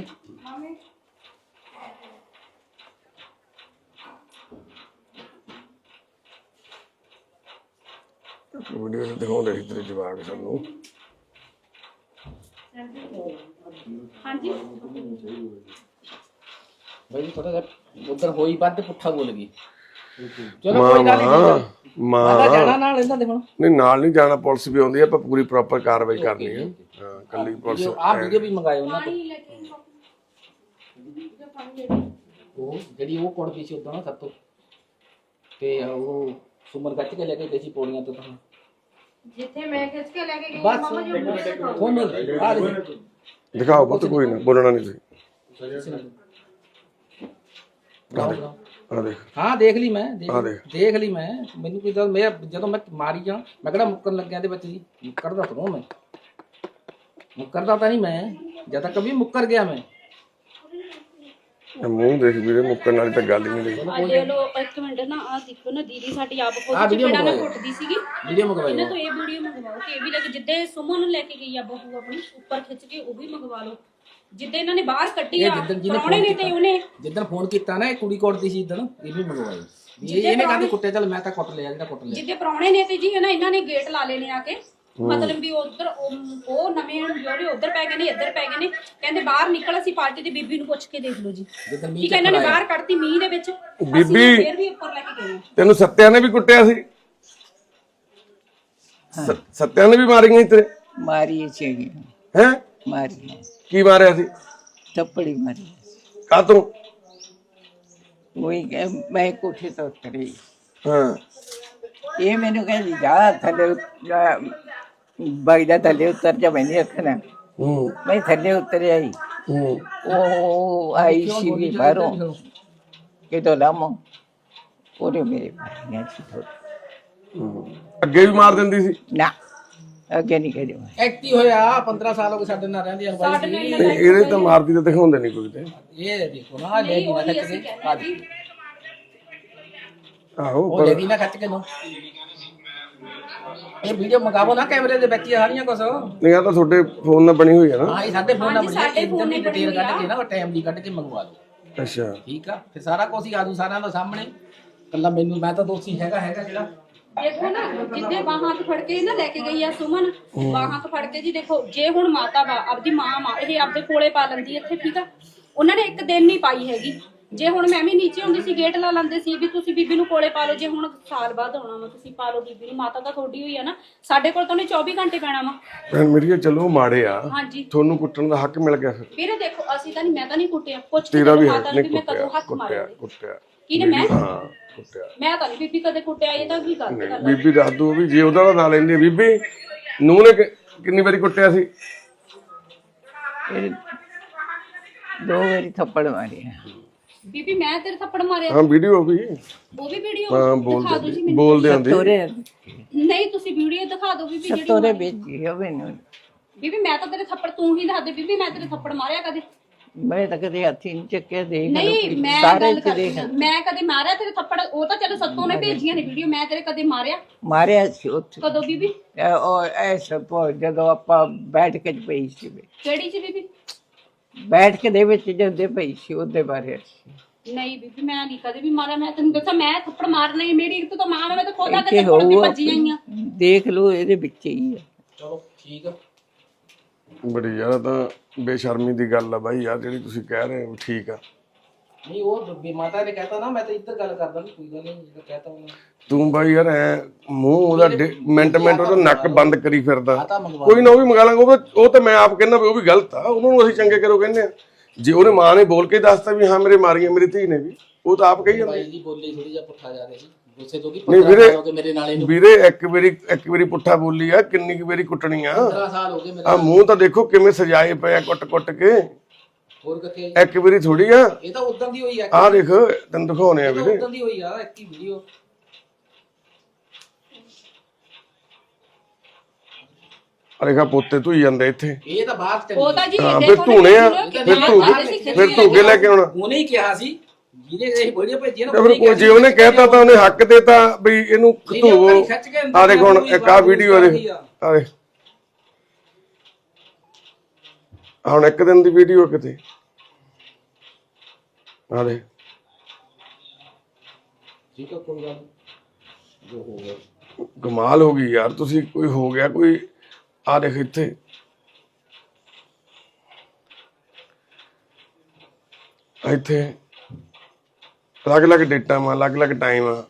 ਵੀਡੀਓ ਦਿਖਾਉਂਦੇ ਸੀ ਤੇਰੇ ਜਵਾਕ ਸਾਨੂੰ। ਹਾਂਜੀ ਬਈ ਥੋੜਾ ਜਿਹਾ ਉਧਰ ਹੋਈ ਵੱਧ ਪੁੱਠਾ ਬੋਲ ਗਈ। ਚਲੋ ਮਾਂ ਕੋਈ ਗੱਲ ਨਹੀਂ, ਮਾਂ ਮੈਂ ਜਾਣਾ ਨਾਲ ਇਹਨਾਂ ਦੇ ਹੁਣ। ਨਹੀਂ ਨਾਲ ਨਹੀਂ ਜਾਣਾ, ਪੁਲਿਸ ਵੀ ਆਉਂਦੀ ਹੈ, ਆਪਾਂ ਪੂਰੀ ਪ੍ਰੋਪਰ ਕਾਰਵਾਈ ਕਰਨੀ ਹੈ। ਹਾਂ ਕੱਲੀ ਪੁਲਿਸ। ਆ ਵੀਡੀਓ ਵੀ ਮੰਗਾਏ ਉਹਨਾਂ ਤੋਂ, ਉਹ ਜਿਹੜੀ ਉਹ ਕੋਣ ਪਈ ਸੀ ਉਦੋਂ ਨਾ ਸਭ ਤੋਂ, ਤੇ ਉਹ ਸੁਮਨ ਕੱਟ ਕੇ ਲੈ ਕੇ ਗਈ ਸੀ ਪੌੜੀਆਂ ਤੋਂ। ਤਾਂ ਜਿੱਥੇ ਮੈਂ ਖਿੱਚ ਕੇ ਲੈ ਕੇ ਗਈ ਬਸ ਮਾਮਾ ਜੀ ਉਹ ਮੁੰਡੇ ਦਿਖਾਓ। ਫੋਨ ਆ ਦੇ ਦਿਖਾਓ ਪੁੱਤ, ਕੋਈ ਨਾ ਬੋਲਣਾ ਨਹੀਂ ਤੁਸੀਂ। ਆ ਦੇਖ ਹਾਂ ਦੇਖ ਲਈ ਮੈਂ, ਦੇਖ ਆ ਦੇਖ। ਦੇਖ ਲਈ ਮੈਂ। ਮੈਨੂੰ ਕੋਈ ਗੱਲ, ਮੈਂ ਜਦੋਂ ਮੈਂ ਮਾਰੀ ਜਾ ਮੈਂ ਕਿਹੜਾ ਮੁੱਕਣ ਲੱਗਿਆ ਦੇ ਵਿੱਚ ਜੀ, ਮੁੱਕਰਦਾ ਥੋੜਾ ਮੈਂ, ਮੁੱਕਰਦਾ ਤਾਂ ਨਹੀਂ ਮੈਂ, ਜਦ ਤੱਕ ਵੀ ਮੁੱਕਰ ਗਿਆ ਮੈਂ। ਇਹ ਮੂੰਹ ਦੇਖ ਵੀਰੇ, ਮੁੱਕਣ ਵਾਲੀ ਤਾਂ ਗੱਲ ਹੀ ਨਹੀਂ ਰਹੀ। ਆ ਲੈ ਲੋ ਇੱਕ ਮਿੰਟ ਨਾ, ਆ ਦੇਖੋ ਨਾ ਦੀਦੀ ਸਾਡੀ ਆਪ ਆਹ ਖੁਦ ਵੀਡੀਓ ਚਪੜਾ ਨਾ ਮੰਗਵਾਈ। ਕੁੱਟਦੀ ਸੀਗੀ। ਵੀਡੀਓ ਮੰਗਵਾਈ ਇਹਨਾਂ ਤੋਂ ਇਹ ਵੀਡੀਓ ਮੰਗਵਾਓ ਕਿ ਇਹ ਵੀ ਲੱਗ ਜਿੱਦੇ ਸੁਮਨ ਨੂੰ ਲੈ ਕੇ ਗਈ ਆ ਬਹੂ ਆਪਣੀ ਉੱਪਰ ਖਿੱਚ ਕੇ, ਉਹ ਵੀ ਮੰਗਵਾ ਲਓ। ਜਿੱਦੇ ਇਹਨਾਂ ਨੇ ਬਾਹਰ ਕੱਢੀ ਇਹ ਆ ਜਿੱਦਣ ਜਿਹਨੇ ਪ੍ਰਾਹੁਣੇ ਨੇ ਤੇ ਉਹਨੇ ਜਿੱਦਣ ਫੋਨ ਕੀਤਾ ਨਾ, ਇਹ ਕੁੜੀ ਕੋਟਦੀ ਸੀ ਇਦਣ, ਇਹ ਵੀ ਮੰਗਵਾਈ। ਇਹ ਇਹਨੇ ਕਾਹਦੇ ਕੁੱਟੇ? ਚੱਲ ਮੈਂ ਤਾਂ ਕੁੱਟ ਲਿਆ ਜਿਹੜਾ ਕੁੱਟ ਲਿਆ। ਜਿੱਦੇ ਪ੍ਰਾਹੁਣੇ ਨੇ ਤੇ ਜੀ ਹਨਾ ਇਹਨਾਂ ਨੇ ਗੇਟ ਲਾ ਲੈਣੇ ਆ ਕੇ, ਮਤਲਬ ਵੀ ਉਧਰ ਉਹ ਨਵੇਂ ਜਿਹੜੇ ਉਧਰ ਪੈ ਗਏ ਨੇ, ਇੱਧਰ ਪੈ ਗਏ ਨੇ। ਕਹਿੰਦੇ ਬਾਹਰ ਨਿਕਲ, ਅਸੀਂ ਪਾਰਟੀ ਦੀ ਬੀਬੀ ਨੂੰ ਪੁੱਛ ਕੇ ਦੇਖ ਲਓ ਜੀ। ਜਿੱਦਣ ਮੀਂਹ ਠੀਕ ਹੈ, ਇਹਨਾਂ ਨੇ ਬਾਹਰ ਕੱਢਤੀ ਮੀਂਹ ਦੇ ਵਿੱਚ, ਬੀਬੀ ਫੇਰ ਵੀ ਉੱਪਰ ਲੈ ਕੇ ਗਏ। ਤੈਨੂੰ ਸੱਤਿਆ ਨੇ ਵੀ ਕੁੱਟਿਆ ਸੀ? ਸ- ਸੱਤਿਆ ਨੇ ਵੀ ਮਾਰੀਆਂ ਸੀ ਤੇਰੇ? ਮਾਰੀ ਚੇਗੀ ਹੈ ਮਾਰੀ ਕੀ ਮਾਰਿਆ ਸੀ? ਥੱਪੜੀ ਮਾਰੀ। ਕਾਤੋਂ? ਉਹੀ ਕਿ ਮੈਂ ਕੋਠੇ ਤੋਂ ਉਤਰੀ, ਹਾਂ ਇਹ ਮੈਨੂੰ ਕਹਿੰਦੀ ਜਾ ਥੱਲੇ ਬਾਈਦਾ ਥੱਲੇ ਉਤਰ ਜਾ, ਮੈਂ ਨਹੀਂ ਰੱਖਣਾ। ਹੂੰ ਮੈਂ ਥੱਲੇ ਉਤਰ ਆਈ, ਹੂੰ ਉਹ ਆਈ ਸੀ ਵੀ ਬਾਹਰੋਂ ਕਿਤੋਂ ਲਾਮੋ, ਉਹਨੇ ਮੇਰੇ ਮਾਰੀਆਂ ਸੀ ਥੋੜ੍ਹੀ। ਹੂੰ। ਅੱਗੇ ਵੀ ਮਾਰ ਦਿੰਦੀ ਸੀ? ਨਾ ਅੱਗੇ ਨਹੀਂ ਕਰੀ। ਐਕਟੀ ਹੋਇਆ ਪੰਦਰਾਂ ਸਾਲ ਹੋ ਗਏ ਸਾਡੇ ਨਾਲ ਰਹਿੰਦੀ ਅਨਵਾਈ ਸੀ। ਨਹੀਂ, ਇਹਦੇ ਤਾਂ ਮਾਰਦੀ ਤਾਂ ਦਿਖਾਉਂਦੇ ਨਹੀਂ ਕੋਈ ਤੇ। ਇਹ ਦੇਖੋ ਨਾ, ਲੈ ਗਈ ਨਾ ਖੱਚ ਕੇ। ਆ ਜੀ ਆਹੋ ਉਹ ਲੈ ਗਈ ਨਾ ਖੱਚ ਕੇ। ਨੋ ਇਹ ਵੀਡੀਓ ਮੰਗਾਵੋ ਨਾ, ਕੈਮਰੇ ਦੇ ਵਿੱਚ ਸਾਰੀਆਂ ਕੁਛ। ਨਹੀਂ ਆ ਤਾਂ ਤੁਹਾਡੇ ਫੋਨ ਨਾਲ ਬਣੀ ਹੋਈ ਹੈ ਨਾ? ਹਾਂ ਇਹ ਸਾਡੇ ਫੋਨ ਨਾਲ ਬਣੀ ਹੈ। ਸਾਡੇ ਫੋਨ ਨਾਲ ਡਿਟੇਲ ਕੱਢ ਕੇ ਨਾ, ਟਾਈਮ ਦੀ ਕੱਢ ਕੇ ਮੰਗਵਾ ਲਓ। ਅੱਛਾ ਠੀਕ ਆ, ਫਿਰ ਸਾਰਾ ਕੁਝ ਹੀ ਆਜੂ ਸਾਰਿਆਂ ਦੇ ਸਾਹਮਣੇ। ਕੱਲਾ ਮੈਨੂੰ, ਮੈਂ ਤਾਂ ਦੋਸ਼ੀ ਹੈਗਾ ਹੈਗਾ ਜਿਹੜਾ। ਦੇਖੋ ਨਾ, ਜਿੱਦੇ ਬਾਹਾਂ ਤੋਂ ਫੜ ਕੇ ਨਾ ਲੈ ਕੇ ਗਈ ਆ ਸੁਮਨ, ਬਾਹਾਂ ਤੋਂ ਫੜ ਕੇ ਜੀ। ਦੇਖੋ ਜੇ ਹੁਣ ਮਾਤਾ ਵਾ ਆਪਦੀ ਮਾਂ ਮਾਂ ਇਹ ਆਪਦੇ ਕੋਲੇ ਪਾ ਲੈਂਦੀ ਇੱਥੇ, ਠੀਕ ਆ। ਉਹਨਾਂ ਨੇ ਇੱਕ ਦਿਨ ਨਹੀਂ ਪਾਈ ਹੈਗੀ। ਜੇ ਹੁਣ ਮੈਂ ਵੀ ਨੀਚੇ ਹੁੰਦੀ ਸੀ, ਗੇਟ ਲਾ ਲੈਂਦੇ ਸੀ ਵੀ ਤੁਸੀਂ ਬੀਬੀ ਨੂੰ ਕੋਲੇ ਪਾ ਲਓ। ਜੇ ਹੁਣ ਸਾਲ ਬਾਅਦ ਆਉਣਾ ਵਾ, ਤੁਸੀਂ ਪਾ ਲਓ ਬੀਬੀ ਨੂੰ। ਮਾਤਾ ਤਾਂ ਤੁਹਾਡੀ ਹੋਈ ਆ ਨਾ, ਸਾਡੇ ਕੋਲ ਤਾਂ ਉਹਨੇ ਚੌਵੀ ਘੰਟੇ ਪੈਣਾ ਵਾ। ਭੈਣ ਮੇਰੀ, ਚਲੋ ਮਾੜੇ ਆ, ਹਾਂਜੀ ਤੁਹਾਨੂੰ ਕੁੱਟਣ ਦਾ ਹੱਕ ਮਿਲ ਗਿਆ ਫਿਰ। ਵੀਰੇ ਦੇਖੋ, ਅਸੀਂ ਤਾਂ ਨਹੀਂ, ਮੈਂ ਤਾਂ ਨਹੀਂ ਕੁੱਟਿਆ, ਪੁੱਛ ਕੇ ਤੇਰਾ ਵੀ ਮਾਤਾ ਹੱਕ ਨੂੰ ਨਹੀਂ ਵੀ ਮੈਂ ਕਦੋਂ ਕੁੱਟਿਆ ਹੱਥ ਕੁੱਟਿਆ ਮਾਰਿਆ। ਕੁੱਟਿਆ ਕਿਹਨੇ? ਮੈਂ ਹਾਂ ਕੁੱਟਿਆ। ਮੈਂ ਤਾਂ ਨਹੀਂ ਬੀਬੀ ਕਦੇ ਕੁੱਟਿਆ, ਇਹ ਤਾਂ ਕੀ ਗਲਤ ਗੱਲ ਆ। ਬੀਬੀ ਦੱਸ ਦੂ ਵੀ ਜੇ ਉਹਦਾ ਨਾਂ ਲੈਂਦੀ ਆ। ਬੀਬੀ ਨੂੰ ਨੇ ਕਿ- ਕਿੰਨੀ ਵਾਰੀ ਕੁੱਟਿਆ ਸੀ? ਇਹ ਦੋ ਵਾਰੀ ਥੱਪੜ ਮਾਰਿਆ। ਬੀਬੀ ਮੈਂ ਤੇਰੇ ਥੱਪੜ ਮਾਰਿਆ? ਹਾਂ ਵੀਡੀਓ ਵੀ। ਉਹ ਵੀ ਵੀਡੀਓ ਹਾਂ ਦਿਖਾ ਦਿਓ ਜੀ ਬੋਲਦੇ ਮੈਨੂੰ। ਬੋਲਦੇ ਆਂਦੀ। ਤੋਰੇ ਨਹੀਂ ਤੁਸੀਂ ਵੀਡੀਓ ਦਿਖਾ ਦਿਓ ਬੀਬੀ ਜਿਹੜੀ ਤੋਰੇ ਮਾਰੀ। ਵੇਚੀ ਆ ਮੈਨੂੰ। ਬੀਬੀ ਮੈਂ ਤਾਂ ਤੇਰੇ ਥੱਪੜ, ਤੂੰ ਹੀ ਦੱਸ ਦੇ ਬੀਬੀ ਮੈਂ ਤੇਰੇ ਥੱਪੜ ਮਾਰਿਆ ਕਦੇ? ਮੈਂ ਤਾਂ ਕਦੇ ਹੱਥੀ ਨਹੀਂ ਚੱਕਿਆ, ਦੇਖ ਲਓ ਨਹੀਂ please, ਮੈਂ ਸਾਰੇ ਗੱਲ ਚ ਕਰਦੀ ਦੇਖ। ਹਾਂ। ਮੈਂ ਕਦੇ ਮਾਰਿਆ ਤੇਰੇ ਥੱਪੜ? ਉਹ ਤਾਂ ਚਲੋ ਸੱਤੋਂ ਨੇ ਭੇਜੀਆਂ ਨੇ ਵੀਡੀਓ, ਮੈਂ ਤੇਰੇ ਕਦੇ ਮਾਰਿਆ? ਮਾਰਿਆ ਸੀ ਉੱਥੇ। ਕਦੋਂ ਬੀਬੀ? ਇਹ ਉਹ ਐਸਾ ਪੋ ਜਦੋਂ ਆਪਾਂ ਬੈਠ ਕੇ ਪਈ ਸੀ, ਕਿਹੜੀ ਚ ਬੀਬੀ? ਬੈਠ ਕੇ ਦੇ ਵਿੱਚ ਜਾਂਦੇ ਪਈ ਸੀ, ਉਹਦੇ ਬਾਰੇ ਨਹੀਂ ਬੀਬੀ ਮੈਂ ਨਹੀਂ ਕਦੇ ਵੀ ਮਾਰਿਆ। ਮੈਂ ਤੈਨੂੰ ਦੱਸਾਂ, ਮੈਂ ਥੱਪੜ ਮਾਰਨਾ ਹੀ, ਮੇਰੀ ਇੱਕ ਤਾਂ ਮਾਂ ਮੈਂ ਤਾਂ ਖੁਦ ਆ ਇੱਥੇ ਕੇ ਥੱਪੜ ਦੀ ਹੋਊਗਾ, ਭੱਜੀ ਆਈ ਆ। ਦੇਖ ਲਓ ਇਹਦੇ ਵਿੱਚ ਹੀ ਆ। ਚਲੋ ਠੀਕ ਆ। ਬੜੀ ਯਾਰ ਤਾਂ ਬੇਸ਼ਰਮੀ ਦੀ ਗੱਲ ਆ ਬਾਈ ਯਾਰ, ਜਿਹੜੀ ਤੁਸੀਂ ਕਹਿ ਰਹੇ ਹੋ ਠੀਕ ਆ। नहीं वो भी माता ने कहता ना मैं तो इधर गल करदा नहीं कोई गल नहीं जो कहता हूं ਤੂੰ ਬਾਈ ਯਾਰ ਐ ਮੂੰਹ ਉਹਦਾ ਡੇ- ਮਿੰਟ ਮਿੰਟ ਉਹਦਾ ਨੱਕ ਬੰਦ ਕਰੀ ਫਿਰਦਾ आता मंगवा ਕੋਈ ਨਾ ਉਹ ਵੀ ਮੰਗਾ ਲਾਂਗਾ ਉਹ ਤਾਂ- ਉਹ ਤਾਂ ਮੈਂ ਆਪ ਕਹਿੰਦਾ ਵੀ ਉਹ ਵੀ ਗਲਤ ਆ ਉਹਨਾਂ ਨੂੰ ਅਸੀਂ ਚੰਗੇ ਕਰੋ ਕਹਿੰਦੇ ਆ ਜੇ ਉਹਨੇ ਮਾਂ ਨੇ ਬੋਲ ਕੇ ਦੱਸਤਾ ਵੀ ਹਾਂ ਮੇਰੇ ਮਾਰੀਆਂ ਮੇਰੀ ਧੀ ਨੇ ਵੀ ਉਹ ਤਾਂ ਆਪ ਕਹੀ ਜਾਂਦੇ भाई जी बोली थोड़ी जा पुठा जा रहे सी गुस्से तो की ਨਹੀਂ पंद्रह ਵੀਰੇ साल हो गए मेरे नाले नु ਵੀਰੇ ਇੱਕ ਵਾਰੀ ਇੱਕ ਵਾਰੀ ਪੁੱਠਾ ਬੋਲੀ ਆ ਕਿੰਨੀ ਕੁ ਵਾਰੀ ਕੁੱਟਣੀ ਆ पंद्रह साल हो गए मेरे ਆ ਮੂੰਹ ਤਾਂ ਦੇਖੋ ਕਿਵੇਂ ਸਜਾਏ ਪਏ ਆ ਕੁੱਟ ਕੁੱਟ ਕੇ और कथे ਇੱਕ ਵਾਰੀ ਥੋੜੀ ਆ ये तो उदन दी होई है ਆ ਦੇਖ ਤੈਨੂੰ ਦਿਖਾਉਣੇ ਆ ये तो ਵੀਰੇ उदन दी होई यार एक ही वीडियो ਅਰੇਗਾ ਪੋਤੇ ਧੋਈ ਜਾਂਦੇ ਇੱਥੇ ये तो बात ਉਹ चली ਤਾਂ ਜੀ ਹਾਂ, ਦੇਖੋ ਫਿਰ ਧੂਣੇ ਆ ਨਾ ਫਿਰ ਕਿੰਨਾ ਧੂ ਸਾਰੇ ਸੀ, ਫਿਰ ਧੂ ਕੇ ਲੈ ਕੇ ਆਉਣਾ ਉਹਨੇ ਹੀ ਕਿਹਾ ਸੀ ਜਿਹਨੇ ਇਹ ਵੀਡੀਓ ਭੇਜੀ ਨਾ ਤੇ ਫਿਰ ਕੋਈ ਜੇ ਉਹਨੇ ਕਹਿਤਾ ਤਾਂ ਉਹਨੇ ਹੱਕ ਦੇਤਾ ਵੀ ਇਹਨੂੰ ਧੂਵੋ ਆ ਦੇਖ ਹੁਣ ਇੱਕ ਆ ਵੀਡੀਓ ਦੇ ਆ ਦੇਖ ਹੁਣ ਇੱਕ ਦਿਨ ਦੀ ਵੀਡੀਓ ਕਿਤੇ ਆ ਦੇਖ ਠੀਕ ਹੈ ਕੋਈ ਗੱਲ ਜੋ ਹੋ ਗਿਆ ਕਮਾਲ ਹੋ ਗਈ ਯਾਰ ਤੁਸੀਂ ਕੋਈ ਹੋ ਗਿਆ ਕੋਈ ਆ ਦੇਖ ਇੱਥੇ ਇੱਥੇ ਅਲੱਗ ਅਲੱਗ ਡੇਟਾਂ ਵਾ ਅਲੱਗ ਅਲੱਗ ਟਾਈਮ ਆ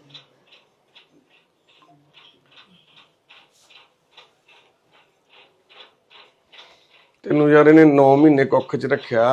ਤੈਨੂੰ ਯਾਰ ਇਹਨੇ ਨੌ ਮਹੀਨੇ ਕੁੱਖ ਚ ਰੱਖਿਆ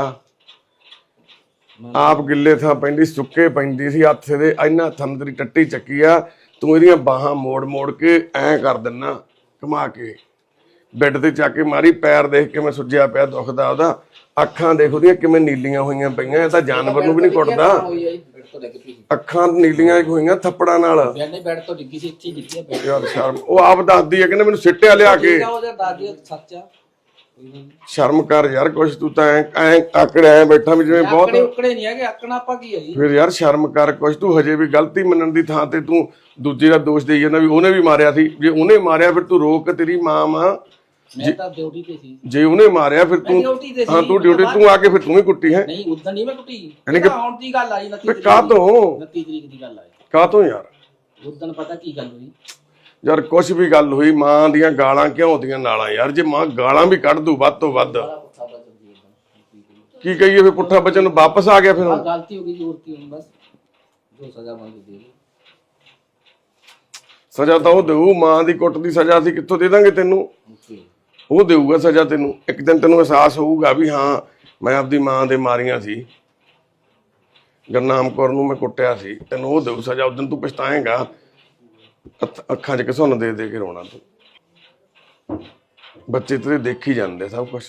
ਆਪ ਗਿੱਲੇ ਥਾਂ ਪੈਂਦੀ ਸੁੱਕੇ ਪੈਂਦੀ ਸੀ ਹੱਥ ਦੇ ਇੰਨਾ ਥੰਮ ਤੇਰੀ ਟੱਟੀ ਚੱਕੀ ਆ ਤੂੰ ਇਹਦੀਆਂ ਬਾਹਾਂ ਮੋੜ ਮੋੜ ਕੇ ਐਂ ਕਰ ਦਿੰਨਾ ਘੁਮਾ ਕੇ ਬੈੱਡ ਤੇ ਚੱਕ ਕੇ ਮਾਰੀ ਪੈਰ ਦੇਖ ਕੇ ਮੈਂ ਸੁੱਜਿਆ ਪਿਆ ਦੁਖਦਾ ਉਹਦਾ ਅੱਖਾਂ ਦੇਖ ਉਹਦੀਆਂ ਕਿਵੇਂ ਨੀਲੀਆਂ ਹੋਈਆਂ ਪਈਆਂ ਇਹ ਤਾਂ ਜਾਨਵਰ ਨੂੰ ਵੀ ਨਹੀਂ ਕੁੱਟਦਾ ਬੈੱਡ ਤੋਂ ਲੱਗ ਪਈ ਅੱਖਾਂ ਨੀਲੀਆਂ ਹੋਈਆਂ ਥੱਪੜਾਂ ਨਾਲ ਬੈੱਡ ਨੇ ਬੈੱਡ ਤੋਂ ਡਿੱਗੀ ਸੀ ਇੱਥੇ ਡਿੱਗੀ ਬੈੱਡ ਯਾਰ ਸ਼ਰਮ ਉਹ ਆਪ ਦੱਸਦੀ ਹੈ ਕਹਿੰਦੇ ਮੈਨੂੰ ਸਿੱਟਿਆ ਲਿਆ ਕੇ ਉਹਦਾ ਦਾਦੀ ਸੱਚਾ ਸ਼ਰਮ ਕਰ ਯਾਰ ਕੁਛ ਤੂੰ ਤਾਂ ਐ ਐ ਆਕੜ ਐ ਬੈਠਾ ਵੀ ਜਿਵੇਂ ਬਹੁਤ ਆਕੜੇ ਉਕੜੇ ਨਹੀਂ ਹੈਗੇ ਆਕਣਾ ਆਪਾਂ ਕੀ ਹੈ ਜੀ ਫਿਰ ਯਾਰ ਸ਼ਰਮ ਕਰ ਕੁਛ ਤੂੰ ਹਜੇ ਵੀ ਗਲਤੀ ਮੰਨਣ ਦੀ ਥਾਂ ਤੇ ਤੂੰ ਦੂਜੇ ਦਾ ਦੋਸ਼ ਦੇਈ ਜਾਂਦਾ ਵੀ ਉਹਨੇ ਵੀ ਮਾਰਿਆ ਸੀ ਜੇ ਉਹਨੇ ਮਾਰਿਆ ਫਿਰ ਤੂੰ ਰੋਕ ਤੇਰੀ ਮਾਂ ਮਾਂ ਮੈਂ ਤਾਂ ਡਿਊਟੀ ਤੇ ਸੀ ਜੇ ਉਹਨੇ ਮਾਰਿਆ ਫਿਰ ਤੂੰ ਡਿਊਟੀ ਤੇ ਸੀ ਹਾਂ ਤੂੰ ਡਿਊਟੀ ਤੂੰ ਆ ਕੇ ਫਿਰ ਤੂੰ ਹੀ ਕੁੱਟੀ ਹੈ ਨਹੀਂ ਉਦੋਂ ਨਹੀਂ ਮੈਂ ਕੁੱਟੀ ਯਾਨੀ ਕਿ- ਹੁਣ ਦੀ ਗੱਲ ਆਈ ਫਿਰ ਕਾਹ ਤੋਂ ਉਨੱਤੀ ਤਰੀਕ ਦੀ ਗੱਲ ਆਈ ਕਾਹ ਤੋਂ ਯਾਰ ਉਦੋਂ ਪਤਾ ਕੀ ਗੱਲ ਹੋਈ ਯਾਰ ਕੁਛ ਵੀ ਗੱਲ ਹੋਈ ਮਾਂ ਦੀਆਂ ਗਾਲਾਂ ਕਿਉਂ ਦੀਆਂ ਨਾਲਾਂ ਯਾਰ ਜੇ ਮਾਂ ਗਾਲਾਂ ਵੀ ਕੱਢ ਦੂ ਵੱਧ ਤੋਂ ਵੱਧ ਕੀ ਕਹੀਏ ਫਿਰ ਪੁੱਠਾ ਬਚਨ ਵਾਪਸ ਆ ਗਿਆ ਫਿਰ ਆ ਹੁਣ ਗਲਤੀ ਹੋ ਗਈ ਜ਼ੋਰ ਕੀ ਹੁਣ ਬਸ ਜੋ ਸਜ਼ਾ ਮੰਗੀ ਦੇ ਦਿਓ। ਸਜ਼ਾ ਤਾਂ ਉਹ ਦੇਊ ਮਾਂ ਦੀ ਕੁੱਟ ਦੀ ਸਜ਼ਾ ਅਸੀਂ ਕਿੱਥੋਂ ਦੇ ਦਾਂਗੇ ਤੈਨੂੰ ਓਕੇ ਉਹ ਦੇਊਗਾ ਸਜ਼ਾ ਤੈਨੂੰ ਇੱਕ ਦਿਨ ਤੈਨੂੰ ਅਹਿਸਾਸ ਹੋਊਗਾ ਵੀ ਹਾਂ ਮੈਂ ਆਪਦੀ ਮਾਂ ਦੇ ਮਾਰੀਆਂ ਸੀ ਗੁਰਨਾਮ ਕੌਰ ਨੂੰ ਮੈਂ ਕੁੱਟਿਆ ਸੀ ਤੈਨੂੰ ਉਹ ਦੇਊ ਸਜ਼ਾ ਉਦੋਂ ਤੂੰ ਪਛਤਾਏਂਗਾ ਅੱਖ- ਅੱਖਾਂ 'ਚ ਘਸੁੰਨ ਦੇ ਦੇ ਕੇ ਰੋਣਾ ਤੂੰ ਬੱਚੇ ਤੇਰੇ ਦੇਖੀ ਜਾਂਦੇ ਸਭ ਕੁਝ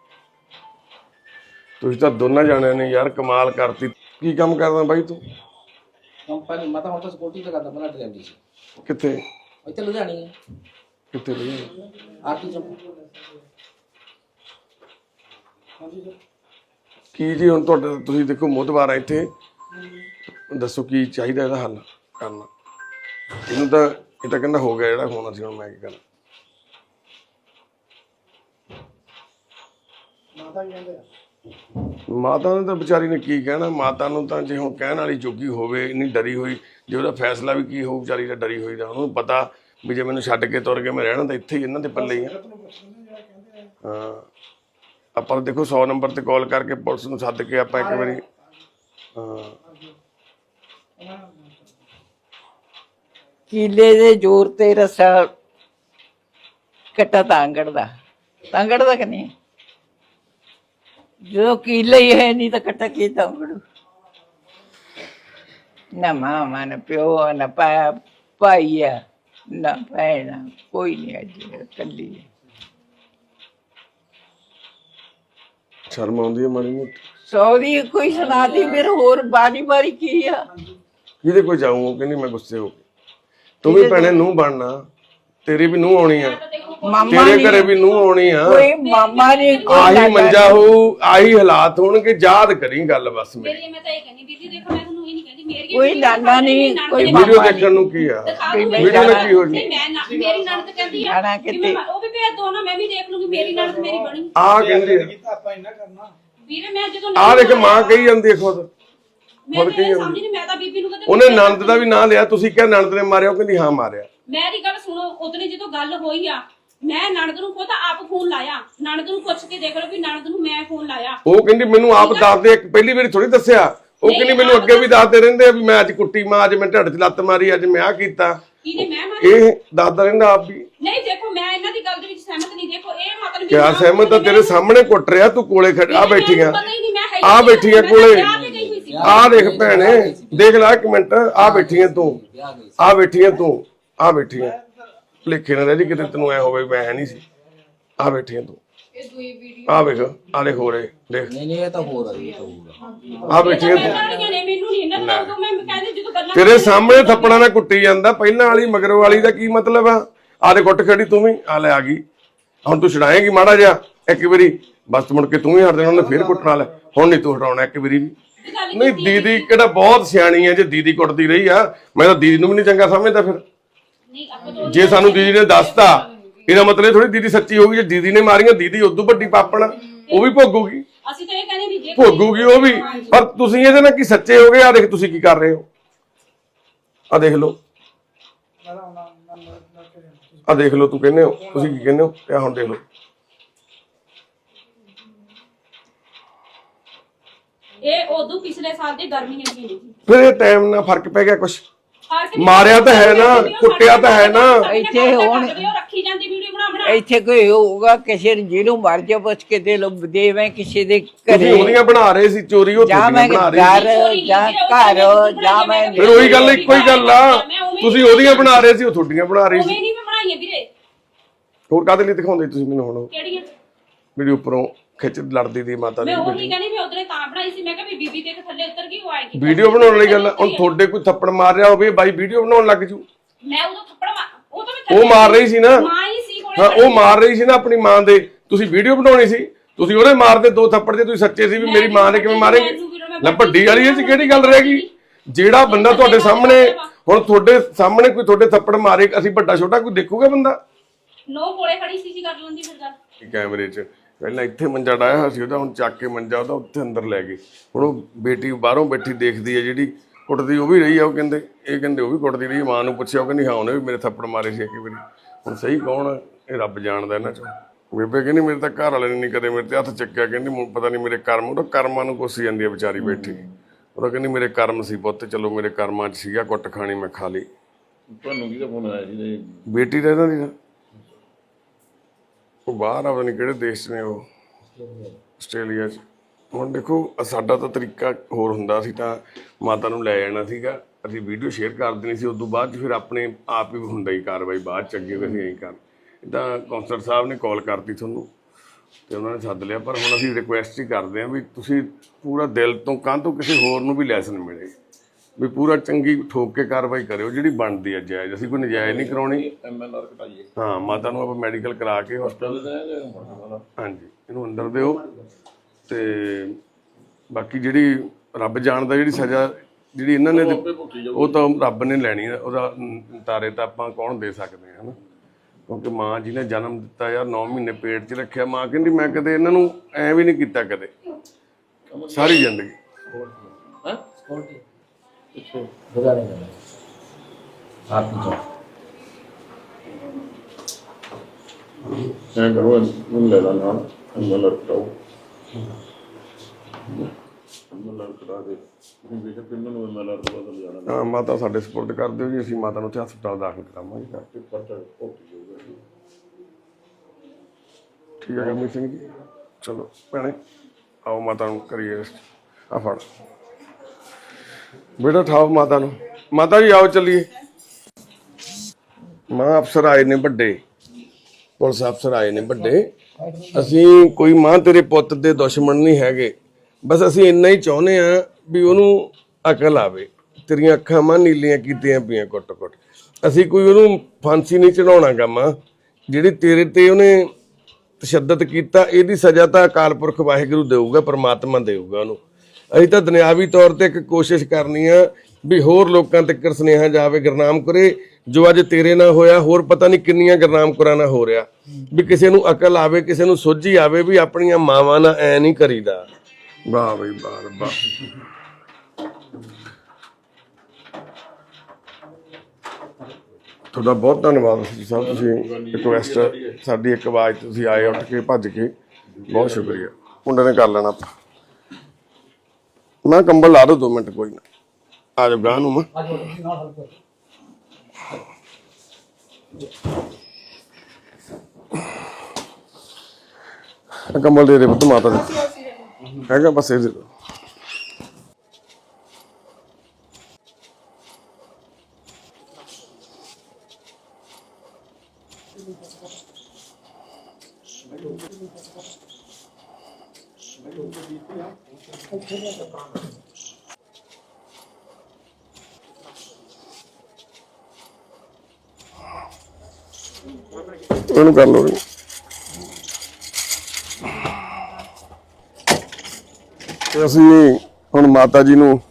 ਤੁਸੀਂ ਤਾਂ ਦੋਨਾਂ ਜਾਣਿਆਂ ਨੇ ਯਾਰ ਕਮਾਲ ਕਰਤੀ ਕੀ ਕੰਮ ਕਰਦਾ ਬਾਈ ਤੂੰ ਕੰਪਨੀ ਮੈਂ ਤਾਂ ਹੁਣ ਤਾਂ ਸਕਿਉਰਟੀ ਤੇ ਕਰਦਾ ਪਹਿਲਾਂ ਡਰਾਈਵਰੀ ਸੀ ਕਿੱਥੇ ਇੱਥੇ ਲੁਧਿਆਣੀ ਹੈ ਕਿੱਥੇ ਰਹੀ ਆਰਟੀ ਚੌਂਕ ਕੀ ਜੀ ਹੁਣ ਤੁਹਾਡਾ ਤੁਸੀਂ ਦੇਖੋ ਮੋਤਬਾਰ ਆ ਇੱਥੇ ਦੱਸੋ ਕੀ ਚਾਹੀਦਾ ਇਹਦਾ ਹੱਲ ਕਰਨਾ ਇਹਨੂੰ ਤਾਂ ਇਹ ਤਾਂ ਕਹਿੰਦਾ ਹੋ ਗਿਆ ਜਿਹੜਾ ਹੋਣਾ ਸੀ ਹੁਣ ਮੈਂ ਕੀ ਕਰਾਂ ਮਾਤਾ ਨੇ ਤਾਂ ਵਿਚਾਰੀ ਨੇ ਕੀ ਕਹਿਣਾ ਮਾਤਾ ਨੂੰ ਤਾਂ ਜੇ ਹੁਣ ਕਹਿਣ ਵਾਲੀ ਜੋਗੀ ਹੋਵੇ ਇੰਨੀ ਡਰੀ ਹੋਈ ਜੇ ਉਹਦਾ ਫੈਸਲਾ ਵੀ ਕੀ ਹੋਊ ਵਿਚਾਰੀ ਦਾ ਡਰੀ ਹੋਈ ਦਾ ਉਹਨੂੰ ਪਤਾ ਵੀ ਜੇ ਮੈਨੂੰ ਛੱਡ ਕੇ ਤੁਰ ਕੇ ਮੈਂ ਰਹਿਣਾ ਤਾਂ ਇੱਥੇ ਹੀ ਇਹਨਾਂ ਦੇ ਪੱਲੇ ਹੀ ਆ ਹਾਂ ਆਪਾਂ ਤਾਂ ਦੇਖੋ ਸੌ ਨੰਬਰ ਤੇ ਕਾਲ ਕਰਕੇ ਪੁਲਿਸ ਨੂੰ ਸੱਦ ਕੇ ਆਪਾਂ ਇੱਕ ਵਾਰੀ ਹਾਂ ਕੀਲੇ ਦੇ ਜ਼ੋਰ ਤੇ ਰਸਾ ਕੱਟਾ ਤਾਂਗੜ ਦਾ ਤਾਂਗੜ ਦਾ ਕਿ ਨਹੀਂ ਜੋ ਕੀਲੇ ਹੀ ਹੈ ਨਹੀਂ ਤਾਂ ਕੱਟਾ ਕੀ ਤਾਂਗੜੂ ਨਾ ਮਾਮਾ ਨਾ ਪਿਓ ਨਾ ਪਾ ਪਾਈਆ ਨਾ ਭੈਣਾ ਕੋਈ ਨਹੀਂ ਅੱਜ ਕੱਲੀ ਸ਼ਰਮ ਆਉਂਦੀ ਹੈ ਮਾੜੀ ਮੋਟੀ ਸੌਦੀ ਕੋਈ ਸੁਣਾਦੀ ਫਿਰ ਹੋਰ ਬਾਰੀ ਬਾਰੀ ਕੀ ਆ ਕਿਹਦੇ ਕੋਈ ਜਾਊਂ ਉਹ ਕਹਿੰਦੀ ਮੈਂ ਗੁੱਸੇ ਹੋ ਕੇ ਤੂੰ ਵੀ ਭੈਣੇ ਨੂੰ ਬਣਨਾ ਤੇਰੀ ਵੀ ਨੂੰ ਆਉਣੀ ਆ ਮਾਮਾ ਤੇਰੇ ਘਰੇ ਵੀ ਨੂੰ ਆਉਣੀ ਆ ਕੋਈ ਮਾਮਾ ਨੇ ਆਹੀ ਮੰਜਾ ਹੋਊ ਆਹੀ ਹਾਲਾਤ ਹੋਣਗੇ ਯਾਦ ਕਰੀ ਗੱਲ ਬਸ ਮੇਰੀ ਮੇਰੀ ਮੈਂ ਤਾਂ ਇਹ ਕਹਿੰਦੀ ਬੀਜੀ ਦੇਖੋ ਮੈਂ ਤੁਹਾਨੂੰ ਇਹ ਨਹੀਂ ਕਹਿੰਦੀ ਮੇਰੀ ਕੋਈ ਨਾਨਾ ਨਹੀਂ ਕੋਈ ਵੀਡੀਓ ਮਾਮਾ ਦੇਖਣ ਨੂੰ ਕੀ ਆ ਮੈਂ ਵੀਡੀਓ ਨਾਲ ਕੀ ਹੋ ਨਹੀਂ ਜੀ ਮੈਂ ਨਾ- ਮੇਰੀ ਨਣਦ ਕਹਿੰਦੀ ਆ ਜਾਣਾ ਕਿ ਕਿਤੇ ਮੈਂ ਉਹ ਵੀ ਭੇਜ ਦੋ ਨਾ ਮੈਂ ਵੀ ਦੇਖ ਲੂੰਗੀ ਮੇਰੀ ਨਣਦ ਮੇਰੀ ਬਣੀ ਆ ਕਹਿੰਦੇ ਵੀਰੇ ਮੈਂ ਜਦੋਂ ਆ ਦੇਖ ਮਾਂ ਕਹੀ ਜਾਂਦੀ ਹੈ ਖੁਦ ਮੈਂ ਤਾਂ ਇਹ ਸਮਝ ਨਹੀਂ ਮੈਂ ਤਾਂ ਬੀਬੀ ਨੂੰ ਕਹਿੰਦੀ ਉਹਨੇ ਨਣਦ ਦਾ ਵੀ ਨਾਂ ਲਿਆ ਤੁਸੀਂ ਕਿਹਾ ਨਣਦ ਨੇ ਮਾਰਿਆ ਉਹ ਕਹਿੰਦੀ ਹਾਂ ਮਾਰਿਆ ਮੇਰੀ ਗੱਲ ਸੁਣੋ ਉਦੋਂ ਜਦੋਂ ਗੱਲ ਹੋਈ ਆ ਮੈਂ ਨਣਦ ਨੂੰ ਖੁਦ ਆਪ ਫੋਨ ਲਾਇਆ ਨਣਦ ਨੂੰ ਪੁੱਛ ਕੇ ਦੇਖ ਲਓ ਵੀ ਨਣਦ ਨੂੰ ਮੈਂ ਫੋਨ ਲਾਇਆ ਉਹ ਕਹਿੰਦੀ ਮੈਨੂੰ ਆਪ ਦੱਸਦੇ ਇੱਕ ਪਹਿਲੀ ਵਾਰੀ ਥੋੜੀ ਦੱਸਿਆ ਉਹ ਕਹਿੰਦੀ ਮੈਨੂੰ ਅੱਗੇ ਵੀ ਦੱਸਦੇ ਰਹਿੰਦੇ ਆ ਵੀ ਮੈਂ ਅੱਜ ਕੁੱਟੀ ਮਾਂ, ਅੱਜ ਮੈਂ ਢੱਡ 'ਚ ਲੱਤ ਮਾਰੀ, ਅੱਜ ਮੈਂ ਆ ਕੀਤਾ। ਕਿਹਨੇ ਮੈਂ ਮਾਰੀ? ਇਹ ਦੱਸਦਾ ਰਹਿੰਦਾ ਆਪ ਵੀ। ਨਹੀਂ ਦੇਖੋ ਮੈਂ ਇਹਨਾਂ ਦੀ ਗੱਲ ਦੇ ਵਿੱਚ ਸਹਿਮਤ ਨਹੀਂ। ਦੇਖੋ ਇਹ ਮਤਲਬ ਕਿਆ ਸਹਿਮਤ ਆ? ਤੇਰੇ ਸਾਹਮਣੇ ਕੁੱਟ ਰਿਹਾ, ਤੂੰ ਕੋਲੇ ਖੜ ਆ ਬੈਠੀਆਂ ਆ ਬੈਠੀਆਂ ਕੋਲੇ ਆ ਦੇਖ ਭੈਣੇ, ਦੇਖ ਲੈ ਇੱਕ ਮਿੰਟ, ਆ ਬੈਠੀਆਂ ਤੂੰ, ਆ ਬੈਠੀਆਂ ਤੂੰ, ਆ ਬੈਠੀਆਂ ਲਿਖੇ ਨਾ ਰਹਿ ਜੀ ਕਿਤੇ ਤੈਨੂੰ ਐ ਹੋਵੇ ਮੈਂ ਹੈ ਨਹੀਂ ਸੀ। ਆ ਬੈਠੀਆਂ ਤੂੰ, ਆ ਵੇਖ, ਆ ਦੇਖ ਹੋ ਰਹੇ ਦੇਖ। ਨਹੀਂ ਨਹੀਂ ਇਹ ਤਾਂ ਹੋ ਰਹੀ ਹੈ। ਆ ਬੈਠੀਆਂ ਤੂੰ, ਮੈਨੂੰ ਨਹੀਂ ਇਹਨਾਂ ਦਾ ਉਦੋਂ ਮੈਂ ਕਹਿੰਦੀ ਜਦੋਂ ਗੱਲਾਂ ਤੇਰੇ ਸਾਹਮਣੇ ਥੱਪੜਾਂ ਨਾਲ ਕੁੱਟੀ ਜਾਂਦਾ। ਪਹਿਲਾਂ ਵਾਲੀ ਮਗਰ ਵਾਲੀ ਦਾ ਕੀ ਮਤਲਬ ਆ? ਆ ਦੇ ਕੁੱਟ ਖੜੀ ਤੂੰ ਵੀ, ਆ ਲੈ ਆ ਗਈ। ਹੁਣ ਤੂੰ ਛਡਾਏਂਗੀ ਮਾੜਾ ਜਿਹਾ ਇੱਕ ਵਾਰੀ, ਬਸ ਮੁੜ ਕੇ ਤੂੰ ਵੀ ਹਟ ਜਾਣਾ, ਉਹਨੇ ਫੇਰ ਕੁੱਟਣਾ ਲੈ। ਹੁਣ ਨਹੀਂ ਤੂੰ ਹਟਾਉਣਾ ਇੱਕ ਵਾਰੀ ਵੀ। ਨਹੀਂ ਦੀਦੀ ਕਿਹੜਾ ਬਹੁਤ ਸਿਆਣੀ ਹੈ, ਜੇ ਦੀਦੀ ਕੁੱਟਦੀ ਰਹੀ ਆ ਮੈਂ ਤਾਂ ਦੀਦੀ ਨੂੰ ਵੀ ਨਹੀਂ ਚੰਗਾ ਸਮਝਦਾ। ਫਿਰ ਨਹੀਂ ਆਪਾਂ ਤੋਂ ਜੇ ਸਾਨੂੰ ਦੀਦੀ ਨੇ ਦੱਸਤਾ ਇਹਦਾ ਮਤਲਬ ਥੋੜੀ ਦੀਦੀ ਸੱਚੀ ਹੋਊਗੀ। ਜੇ ਦੀਦੀ ਨੇ ਮਾਰੀਆਂ, ਦੀਦੀ ਉਦੋਂ ਵੱਡੀ ਪਾਪਣ ਉਹ ਵੀ ਭੋਗੂਗੀ, ਅਸੀਂ ਤਾਂ ਇਹ ਕਹਿੰਦੇ ਵੀ ਜੇ ਭੋਗੂਗੀ ਉਹ ਵੀ। ਪਰ ਤੁਸੀਂ ਇਹਦੇ ਨਾਲ ਕੀ ਸੱਚੇ ਹੋ ਗਏ? ਆ ਦੇਖ ਤੁਸੀਂ ਕੀ ਕਰ ਰਹੇ ਹੋ, ਆ ਦੇਖ ਲਓ, ਆ ਦੇਖ ਲਓ। ਤੂੰ ਕਹਿੰਦੇ ਹੋ, ਤੁਸੀਂ ਕੀ ਕਹਿੰਦੇ ਹੋ? ਇਹ ਹੁਣ ਦੇਖ ਲਓ। ਇਹ ਉਦੋਂ ਪਿਛਲੇ ਸਾਲ ਦੀ ਗਰਮੀ ਨੇ ਕੀ ਨਹੀਂ ਫਿਰ ਇਹ ਟਾਈਮ ਨਾਲ ਫਰਕ ਪੈ ਗਿਆ ਕੁਛ। ਫਰਕ ਮਾਰਿਆ ਤਾਂ ਹੈ ਨਾ, ਕੁੱਟਿਆ ਤਾਂ ਹੈ ਨਾ। ਇੱਥੇ ਹੁਣ ਰੱਖੀ ਜਾਂਦੀ ਵੀਡੀਓ ਬਣਾ ਬਣਾ ਇੱਥੇ ਕੋਈ ਹੋਊਗਾ ਕਿਸੇ ਨੂੰ ਜਿਹਨੂੰ ਮਰ ਜਾ ਪੁੱਛ ਕੇ ਦੇ ਲੋ ਦੇਵੇਂ ਕਿਸੇ ਦੇ ਤੁਸੀਂ ਘਰੇ, ਉਹਦੀਆਂ ਬਣਾ ਰਹੇ ਸੀ ਚੋਰੀ, ਉਹ ਜਾਂ ਤੁਸੀਂ ਮੈਂ ਬਣਾ ਰਹੇ ਸੀ। ਘਰ ਜਾਂ ਘਰ ਜਾਂ ਮੈਂ ਫਿਰ ਉਹੀ ਗੱਲ ਇੱਕੋ ਹੀ ਗੱਲ ਆ, ਤੁਸੀਂ ਉਹਦੀਆਂ ਬਣਾ ਰਹੇ ਸੀ, ਉਹ ਤੁਹਾਡੀਆਂ ਬਣਾ ਰਹੀ ਸੀ। ਉਵੇਂ ਨਹੀਂ ਮੈਂ ਬਣਾਈਆਂ ਵੀਰੇ। ਹੋਰ ਕਾਹਦੇ ਲਈ ਦਿਖਾਉਂਦੇ ਤੁਸੀਂ ਮੈਨੂੰ ਹੁਣ? ਕਿਹੜੀਆਂ? ਵੀਡੀਓ ਉੱਪਰੋਂ ਖਿੱਚ ਲੜਦੀ ਦੀ ਮਾਤਾ ਦੀ ਮੈਂ ਉਹੀ ਕਹਿੰਦੀ ਵੀ ਉਧਰੇ ਤਾਂ ਬਣਾਈ ਸੀ। ਮੈਂ ਕਿਹਾ ਵੀ ਬੀਬੀ ਦੇ ਥੱਲੇ ਉਤਰ ਗਈ, ਉਹ ਆਏਗੀ ਵੀਡੀਓ ਬਣਾਉਣ ਲਈ ਗੱਲ ਆ। ਹੁਣ ਤੁਹਾਡੇ ਕੋਈ ਥੱਪੜ ਮਾਰ ਰਿਹਾ ਹੋਵੇ, ਬਾਈ ਵੀਡੀਓ ਬਣਾਉਣ ਲੱਗ ਜੂ। ਮੈਂ ਉਦੋਂ ਥੱਪੜ ਮਾਰ ਉਹ ਤਾਂ ਮੈਂ ਉਹ ਮਾਰ ਰਹੀ ਸੀ ਨਾ, ਮਾਂ ਹੀ ਸੀ ਕੋਲੇ। ਹਾਂ ਉਹ ਮਾਰ ਰਹੀ ਸੀ ਨਾ ਆਪਣੀ ਮਾਂ ਦੇ, ਤੁਸੀਂ ਵੀਡੀਓ ਬਣਾਉਣੀ ਸੀ। ਤੁਸੀਂ ਉਹਦੇ ਮਾਰਦੇ ਦੋ ਥੱਪੜ ਜੇ ਤੁਸੀਂ ਸੱਚੇ ਸੀ ਵੀ ਮੇਰੀ ਮਾਂ ਨੇ ਕਿਵੇਂ ਮਾਰੇਗੀ ਨਾ। ਵੱਡੀ ਵਾਲੀ ਇਹ ਚ ਕਿਹੜੀ ਗੱਲ ਰਹਿ ਗਈ? ਜਿਹੜਾ ਬੰਦਾ ਤੁਹਾਡੇ ਸਾਹਮਣੇ, ਹੁਣ ਤੁਹਾਡੇ ਸਾਹਮਣੇ ਕੋਈ ਤੁਹਾਡੇ ਥੱਪੜ ਮਾਰੇ, ਅਸੀਂ ਵੱਡਾ ਛੋਟਾ ਕੋਈ ਦੇਖੂਗਾ ਬੰਦਾ? ਨੋ ਕੋਲੇ ਖੜੀ ਸੀ ਜੀ, ਕਰ ਲੈਂਦੀ ਫਿਰ ਗੱਲ। ਕੈਮਰੇ 'ਚ ਪਹਿਲਾਂ ਇੱਥੇ ਮੰਜਾ ਡਾਇਆ ਹੋਇਆ ਸੀ ਉਹਦਾ, ਹੁਣ ਚੱਕ ਕੇ ਮੰਜਾ ਉਹਦਾ ਉੱਥੇ ਅੰਦਰ ਲੈ ਗਏ। ਹੁਣ ਉਹ ਬੇਟੀ ਬਾਹਰੋਂ ਬੈਠੀ ਦੇਖਦੀ ਹੈ, ਜਿਹੜੀ ਕੁੱਟਦੀ ਉਹ ਵੀ ਰਹੀ ਆ। ਉਹ ਕਹਿੰਦੇ ਇਹ ਕਹਿੰਦੇ ਉਹ ਵੀ ਕੁੱਟਦੀ ਰਹੀ। ਮਾਂ ਨੂੰ ਪੁੱਛਿਆ, ਉਹ ਕਹਿੰਦੀ ਹਾਂ ਉਹਨੇ ਵੀ ਮੇਰੇ ਥੱਪੜ ਮਾਰੇ ਸੀ ਇੱਕ ਵਾਰੀ। ਹੁਣ ਸਹੀ ਕੌਣ ਆ? ਇਹ ਰੱਬ ਜਾਣਦਾ ਇਹਨਾਂ 'ਚੋਂ। ਬੇਬੇ ਕਹਿੰਦੀ ਮੇਰੇ ਤਾਂ ਘਰ ਵਾਲੇ ਨੇ ਨਹੀਂ ਕਦੇ ਮੇਰੇ ਤੇ ਹੱਥ ਚੱਕਿਆ। ਕਹਿੰਦੀ ਮੈਨੂੰ ਪਤਾ ਨਹੀਂ ਮੇਰੇ ਕਰਮ, ਉਹਦਾ ਕਰਮਾਂ ਨੂੰ ਕੋਸੀ ਜਾਂਦੀ ਹੈ ਵਿਚਾਰੀ ਬੈਠੀ। ਉਹਦਾ ਕਹਿੰਦੀ ਮੇਰੇ ਕਰਮ ਸੀ ਪੁੱਤ, ਚਲੋ ਮੇਰੇ ਕਰਮਾਂ 'ਚ ਸੀਗਾ, ਕੁੱਟ ਖਾਣੀ ਮੈਂ ਖਾ ਲਈ। ਤੁਹਾਨੂੰ ਕਿਹਦਾ ਫੋਨ ਆਇਆ ਸੀ? ਬੇਟੀ ਦਾ ਇਹਨਾਂ ਦੀ ਨਾ, ਉਹ ਬਾਹਰ ਆ, ਪਤਾ ਨਹੀਂ ਕਿਹੜੇ ਦੇਸ਼ 'ਚ ਨੇ, ਉਹ ਆਸਟ੍ਰੇਲੀਆ 'ਚ। ਹੁਣ ਦੇਖੋ ਸਾਡਾ ਤਾਂ ਤਰੀਕਾ ਹੋਰ ਹੁੰਦਾ ਸੀ, ਤਾਂ ਮਾਤਾ ਨੂੰ ਲੈ ਜਾਣਾ ਸੀਗਾ, ਅਸੀਂ ਵੀਡੀਓ ਸ਼ੇਅਰ ਕਰ ਦੇਣੀ ਸੀ। ਉਦੋਂ ਬਾਅਦ 'ਚ ਫਿਰ ਆਪਣੇ ਆਪ ਹੀ ਹੁੰਦਾ ਹੀ ਕਾਰਵਾਈ ਬਾਅਦ 'ਚ ਅੱਗੇ ਅਸੀਂ ਐਂ ਕਰ। ਇੱਦਾਂ ਕੌਂਸਲਰ ਸਾਹਿਬ ਨੇ ਕਾਲ ਕਰਤੀ ਤੁਹਾਨੂੰ ਤੇ ਉਹਨਾਂ ਨੇ ਸੱਦ ਲਿਆ। ਪਰ ਹੁਣ ਅਸੀਂ ਰਿਕੁਐਸਟ ਹੀ ਕਰਦੇ ਹਾਂ ਵੀ ਤੁਸੀਂ ਪੂਰਾ ਦਿਲ ਤੋਂ, ਕਾਹ ਤੋਂ ਕਿਸੇ ਹੋਰ ਨੂੰ ਵੀ ਲੈਸਨ ਮਿਲੇ, ਵੀ ਪੂਰਾ ਚੰਗੀ ਠੋਕ ਕੇ ਕਾਰਵਾਈ ਕਰਿਓ ਜਿਹੜੀ ਬਣਦੀ ਹੈ ਜਾਇਜ਼। ਅਸੀਂ ਕੋਈ ਨਜਾਇਜ਼ ਨਹੀਂ ਕਰਾਉਣੀ। ਐਮ ਐਲ ਆਰ ਕਟਾਈਏ। ਹਾਂ ਮਾਤਾ ਨੂੰ ਆਪਾਂ ਮੈਡੀਕਲ ਕਰਾ ਕੇ ਹਸਪਤਾਲ, ਹਾਂਜੀ ਇਹਨੂੰ ਅੰਦਰ ਦਿਓ। ਤੇ ਬਾਕੀ ਜਿਹੜੀ ਰੱਬ ਜਾਣਦਾ ਜਿਹੜੀ ਸਜ਼ਾ ਜਿਹੜੀ ਇਹਨਾਂ ਨੇ ਉਹ ਤਾਂ ਰੱਬ ਨੇ ਲੈਣੀ ਹੈ। ਉਹਦਾ ਤਾਰੇ ਤਾਂ ਆਪਾਂ ਕੌਣ ਦੇ ਸਕਦੇ ਹਾਂ, ਹਨਾ? ਕਿਉਂਕਿ ਮਾਂ ਜਿਹਨੇ ਜਨਮ ਦਿੱਤਾ ਯਾਰ, ਨੌ ਮਹੀਨੇ ਪੇਟ 'ਚ ਰੱਖਿਆ, ਮਾਂ ਕਹਿੰਦੀ ਮੈਂ ਕਦੇ ਇਹਨਾਂ ਨੂੰ ਐਂ ਵੀ ਨਹੀਂ ਕੀਤਾ ਕਦੇ ਸਾਰੀ ਜ਼ਿੰਦਗੀ। ਐਂ ਕਰੋ, ਇਹਨੂੰ ਲੈ ਲਾ ਨਾਲ, ਐਮ ਐਲ ਆਰ ਕਟਾਓ। ਐਮ ਐਲ ਆਰ ਕਟਾ ਦੇ ਬੇਸ਼ੱਕ ਕਿੰਨਾਂ ਨੂੰ ਐਮ ਐਲ ਆਰ ਤੋਂ ਬਦਲ ਜਾਣਾ। ਹਾਂ ਮਾਤਾ ਸਾਡੇ ਸਪੋਰਟ ਕਰ ਦਿਓ ਜੀ, ਅਸੀਂ ਮਾਤਾ ਨੂੰ ਉੱਥੇ ਹਸਪਤਾਲ ਦਾਖਲ ਕਰਾਵਾਂਗੇ ਕਰਕੇ। ਖਰਚਾ ਓਕੇ ਹੋਊਗਾ ਜੀ। ਠੀਕ ਹੈ ਗੁਰਮੀਤ ਸਿੰਘ ਜੀ, ਚਲੋ ਭੈਣੇ ਆਓ ਮਾਤਾ ਨੂੰ ਕਰੀਏ। ਆ ਫੜ ਬੇਟਾ, ਠਾਓ ਮਾਤਾ ਨੂੰ। ਮਾਤਾ ਜੀ ਆਓ ਚੱਲੀਏ। ਮਾਂ ਅਫਸਰ ਆਏ ਨੇ ਵੱਡੇ, ਪੁਲਿਸ ਅਫਸਰ ਆਏ ਨੇ ਵੱਡੇ। ਅਸੀਂ ਕੋਈ ਮਾਂ ਤੇਰੇ ਪੁੱਤ ਦੇ ਦੁਸ਼ਮਣ ਨਹੀਂ ਹੈਗੇ, ਬਸ ਅਸੀਂ ਇੰਨਾ ਹੀ ਚਾਹੁੰਦੇ ਆ ਵੀ ਉਹਨੂੰ ਅਕਲ ਆਵੇ। ਤੇਰੀਆਂ ਅੱਖਾਂ ਮਾਂ ਨੀਲੀਆਂ ਕੀਤੀਆਂ ਪਈਆਂ ਕੁੱਟ ਕੁੱਟ। ਅਸੀਂ ਕੋਈ ਉਹਨੂੰ ਫਾਂਸੀ ਨਹੀਂ ਚੜਾਉਣਾ ਗਾ ਮਾਂ। ਜਿਹੜੀ ਤੇਰੇ ਤੇ ਉਹਨੇ ਤਸ਼ੱਦਦ ਕੀਤਾ, ਇਹਦੀ ਸਜ਼ਾ ਤਾਂ ਅਕਾਲ ਪੁਰਖ ਵਾਹਿਗੁਰੂ ਦੇਊਗਾ, ਪਰਮਾਤਮਾ ਦੇਊਗਾ ਉਹਨੂੰ। ਅਸੀਂ ਤਾਂ ਦੁਨਿਆਵੀ ਤੌਰ ਤੇ ਇੱਕ ਕੋਸ਼ਿਸ਼ ਕਰਨੀ ਆ ਵੀ ਹੋਰ ਲੋਕਾਂ ਤੱਕ ਸੁਨੇਹਾ ਜਾਵੇ। ਗੁਰਨਾਮ ਕਰੇ ਜੋ ਅੱਜ ਤੇਰੇ ਨਾਲ ਹੋਇਆ, ਹੋਰ ਪਤਾ ਨਹੀਂ ਕਿੰਨੀਆਂ ਗੁਰਨਾਮ ਕਰਾਂ ਨਾਲ ਹੋ ਰਿਹਾ, ਵੀ ਕਿਸੇ ਨੂੰ ਅਕਲ ਆਵੇ, ਕਿਸੇ ਨੂੰ ਸੋਝੀ ਆਵੇ ਵੀ ਆਪਣੀਆਂ ਮਾਵਾਂ ਨਾਲ ਐ ਨਹੀਂ ਕਰੀਦਾ। ਵਾਹ ਬਈ ਵਾਹ ਵਾਹ। ਤੁਹਾਡਾ ਬਹੁਤ ਧੰਨਵਾਦ ਸਾਹਿਬ, ਤੁਸੀਂ ਰਿਕੁਐਸਟ ਸਾਡੀ ਇੱਕ ਆਵਾਜ਼ ਤੁਸੀਂ ਆਏ ਉੱਠ ਕੇ ਭੱਜ ਕੇ, ਬਹੁਤ ਸ਼ੁਕਰੀਆ। ਮੁੰਡੇ ਨੇ ਕਰ ਲੈਣਾ ਆਪਾਂ। ਮੈਂ ਕੰਬਲ ਲਾ ਦੋ ਦੋ ਮਿੰਟ ਕੋਈ ਨਾ ਆ ਜਾ ਗਾਂ ਨੂੰ ਮੈਂ ਕੰਬਲ ਦੇ ਦੇ ਪੁੱਤ ਮਾਤਾ ਦੇ ਹੈਗਾ ਬਸ ਇਹ ਦੇ ਦੋ ਉਹਨੂੰ ਕਰ ਲਓ ਤੇ ਅਸੀਂ ਹੁਣ ਮਾਤਾ ਜੀ ਨੂੰ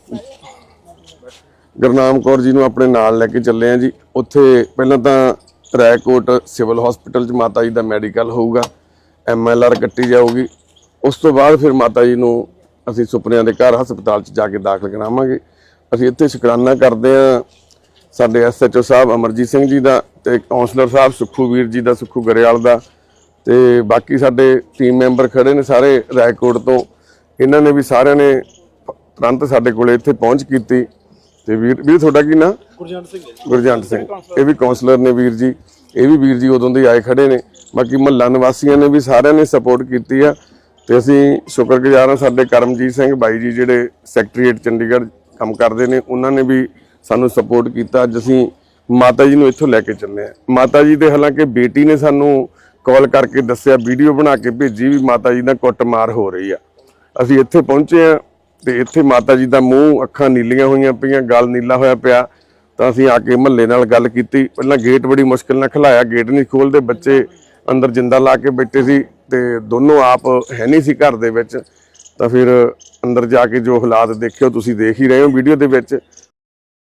ਗੁਰਨਾਮ ਕੌਰ ਜੀ ਨੂੰ ਆਪਣੇ ਨਾਲ ਲੈ ਕੇ ਚੱਲੇ ਆ ਜੀ। ਉੱਥੇ ਪਹਿਲਾਂ ਤਾਂ ਰਾਏਕੋਟ ਸਿਵਲ ਹਸਪੀਟਲ 'ਚ ਮਾਤਾ ਜੀ ਦਾ ਮੈਡੀਕਲ ਹੋਊਗਾ, ਐਮ ਐਲ ਆਰ ਕੱਟੀ ਜਾਊਗੀ। ਉਸ ਤੋਂ ਬਾਅਦ ਫਿਰ ਮਾਤਾ ਜੀ ਨੂੰ ਅਸੀਂ ਸੁਪਨਿਆਂ ਦੇ ਘਰ ਹਸਪਤਾਲ 'ਚ ਜਾ ਕੇ ਦਾਖਲ ਕਰਾਵਾਂਗੇ। ਅਸੀਂ ਇੱਥੇ ਸ਼ੁਕਰਾਨਾ ਕਰਦੇ ਹਾਂ ਸਾਡੇ ਐਸ ਐਚ ਓ ਸਾਹਿਬ ਅਮਰਜੀਤ ਸਿੰਘ ਜੀ ਦਾ ਤੇ ਕਾਉਂਸਲਰ ਸਾਹਿਬ ਸੁੱਖੂ ਵੀਰ ਜੀ ਦਾ, ਸੁੱਖੂ ਗਰੇਵਾਲ ਦਾ, ਤੇ ਬਾਕੀ ਸਾਡੇ ਟੀਮ ਮੈਂਬਰ ਖੜੇ ਨੇ ਸਾਰੇ ਰਾਏਕੋਟ ਤੋਂ। ਇਹਨਾਂ ਨੇ ਵੀ ਸਾਰਿਆਂ ਨੇ ਤੁਰੰਤ ਸਾਡੇ ਕੋਲੇ ਇੱਥੇ ਪਹੁੰਚ ਕੀਤੀ। ਤੇ ਵੀਰ ਵੀਰ ਤੁਹਾਡਾ ਕੀ ਨਾਂ? ਗੁਰਜੰਟ ਸਿੰਘ। ਗੁਰਜੰਟ ਸਿੰਘ ਇਹ ਵੀ ਕਾਉਂਸਲਰ ਨੇ ਵੀਰ ਜੀ, ਇਹ ਵੀ ਵੀਰ ਜੀ ਉਦੋਂ ਦੇ ਆਏ ਖੜੇ ਨੇ। ਬਾਕੀ ਮਹੱਲਾ ਨਿਵਾਸੀਆਂ ਨੇ ਵੀ ਸਾਰਿਆਂ ਨੇ ਸਪੋਰਟ ਕੀਤੀ ਆ ਤੇ ਅਸੀਂ ਸ਼ੁਕਰਗੁਜ਼ਾਰ ਹਾਂ। ਸਾਡੇ ਕਰਮਜੀਤ ਸਿੰਘ ਬਾਈ ਜੀ ਜਿਹੜੇ ਸੈਕਟਰੀਏਟ ਚੰਡੀਗੜ੍ਹ ਕੰਮ ਕਰਦੇ ਨੇ, ਉਹਨਾਂ ਨੇ ਵੀ ਸਾਨੂੰ ਸਪੋਰਟ ਕੀਤਾ। ਅੱਜ ਅਸੀਂ ਮਾਤਾ ਜੀ ਨੂੰ ਇੱਥੋਂ ਲੈ ਕੇ ਚੱਲੇ ਆ। ਮਾਤਾ ਜੀ ਦੇ ਹਾਲਾਂਕਿ ਬੇਟੀ ਨੇ ਸਾਨੂੰ ਕਾਲ ਕਰਕੇ ਦੱਸਿਆ, ਵੀਡੀਓ ਬਣਾ ਕੇ ਭੇਜੀ ਵੀ ਮਾਤਾ ਜੀ ਦਾ ਕੁੱਟਮਾਰ ਹੋ ਰਹੀ ਆ। ਅਸੀਂ ਇੱਥੇ ਪਹੁੰਚੇ ਆ ਤੇ ਇੱਥੇ ਮਾਤਾ ਜੀ ਦਾ ਮੂੰਹ ਅੱਖਾਂ ਨੀਲੀਆਂ ਹੋਈਆਂ ਪਈਆਂ, ਗਲ ਨੀਲਾ ਹੋਇਆ ਪਿਆ। ਤਾਂ ਅਸੀਂ ਆ ਕੇ ਮਹੱਲੇ ਨਾਲ ਗੱਲ ਕੀਤੀ। ਪਹਿਲਾਂ ਗੇਟ ਬੜੀ ਮੁਸ਼ਕਿਲ ਨਾਲ ਖੁਲਾਇਆ, ਗੇਟ ਨਹੀਂ ਖੋਲਦੇ, ਬੱਚੇ ਅੰਦਰ ਜਿੰਦਾ ਲਾ ਕੇ ਬੈਠੇ ਸੀ ਤੇ ਦੋਨੋਂ ਆਪ ਹੈ ਨਹੀਂ ਸੀ ਘਰ ਦੇ ਵਿੱਚ। ਤਾਂ ਫਿਰ ਅੰਦਰ ਜਾ ਕੇ ਜੋ ਹਾਲਾਤ ਦੇਖਿਓ ਤੁਸੀਂ ਦੇਖ ਹੀ ਰਹੇ ਹੋ ਵੀਡੀਓ ਦੇ ਵਿੱਚ।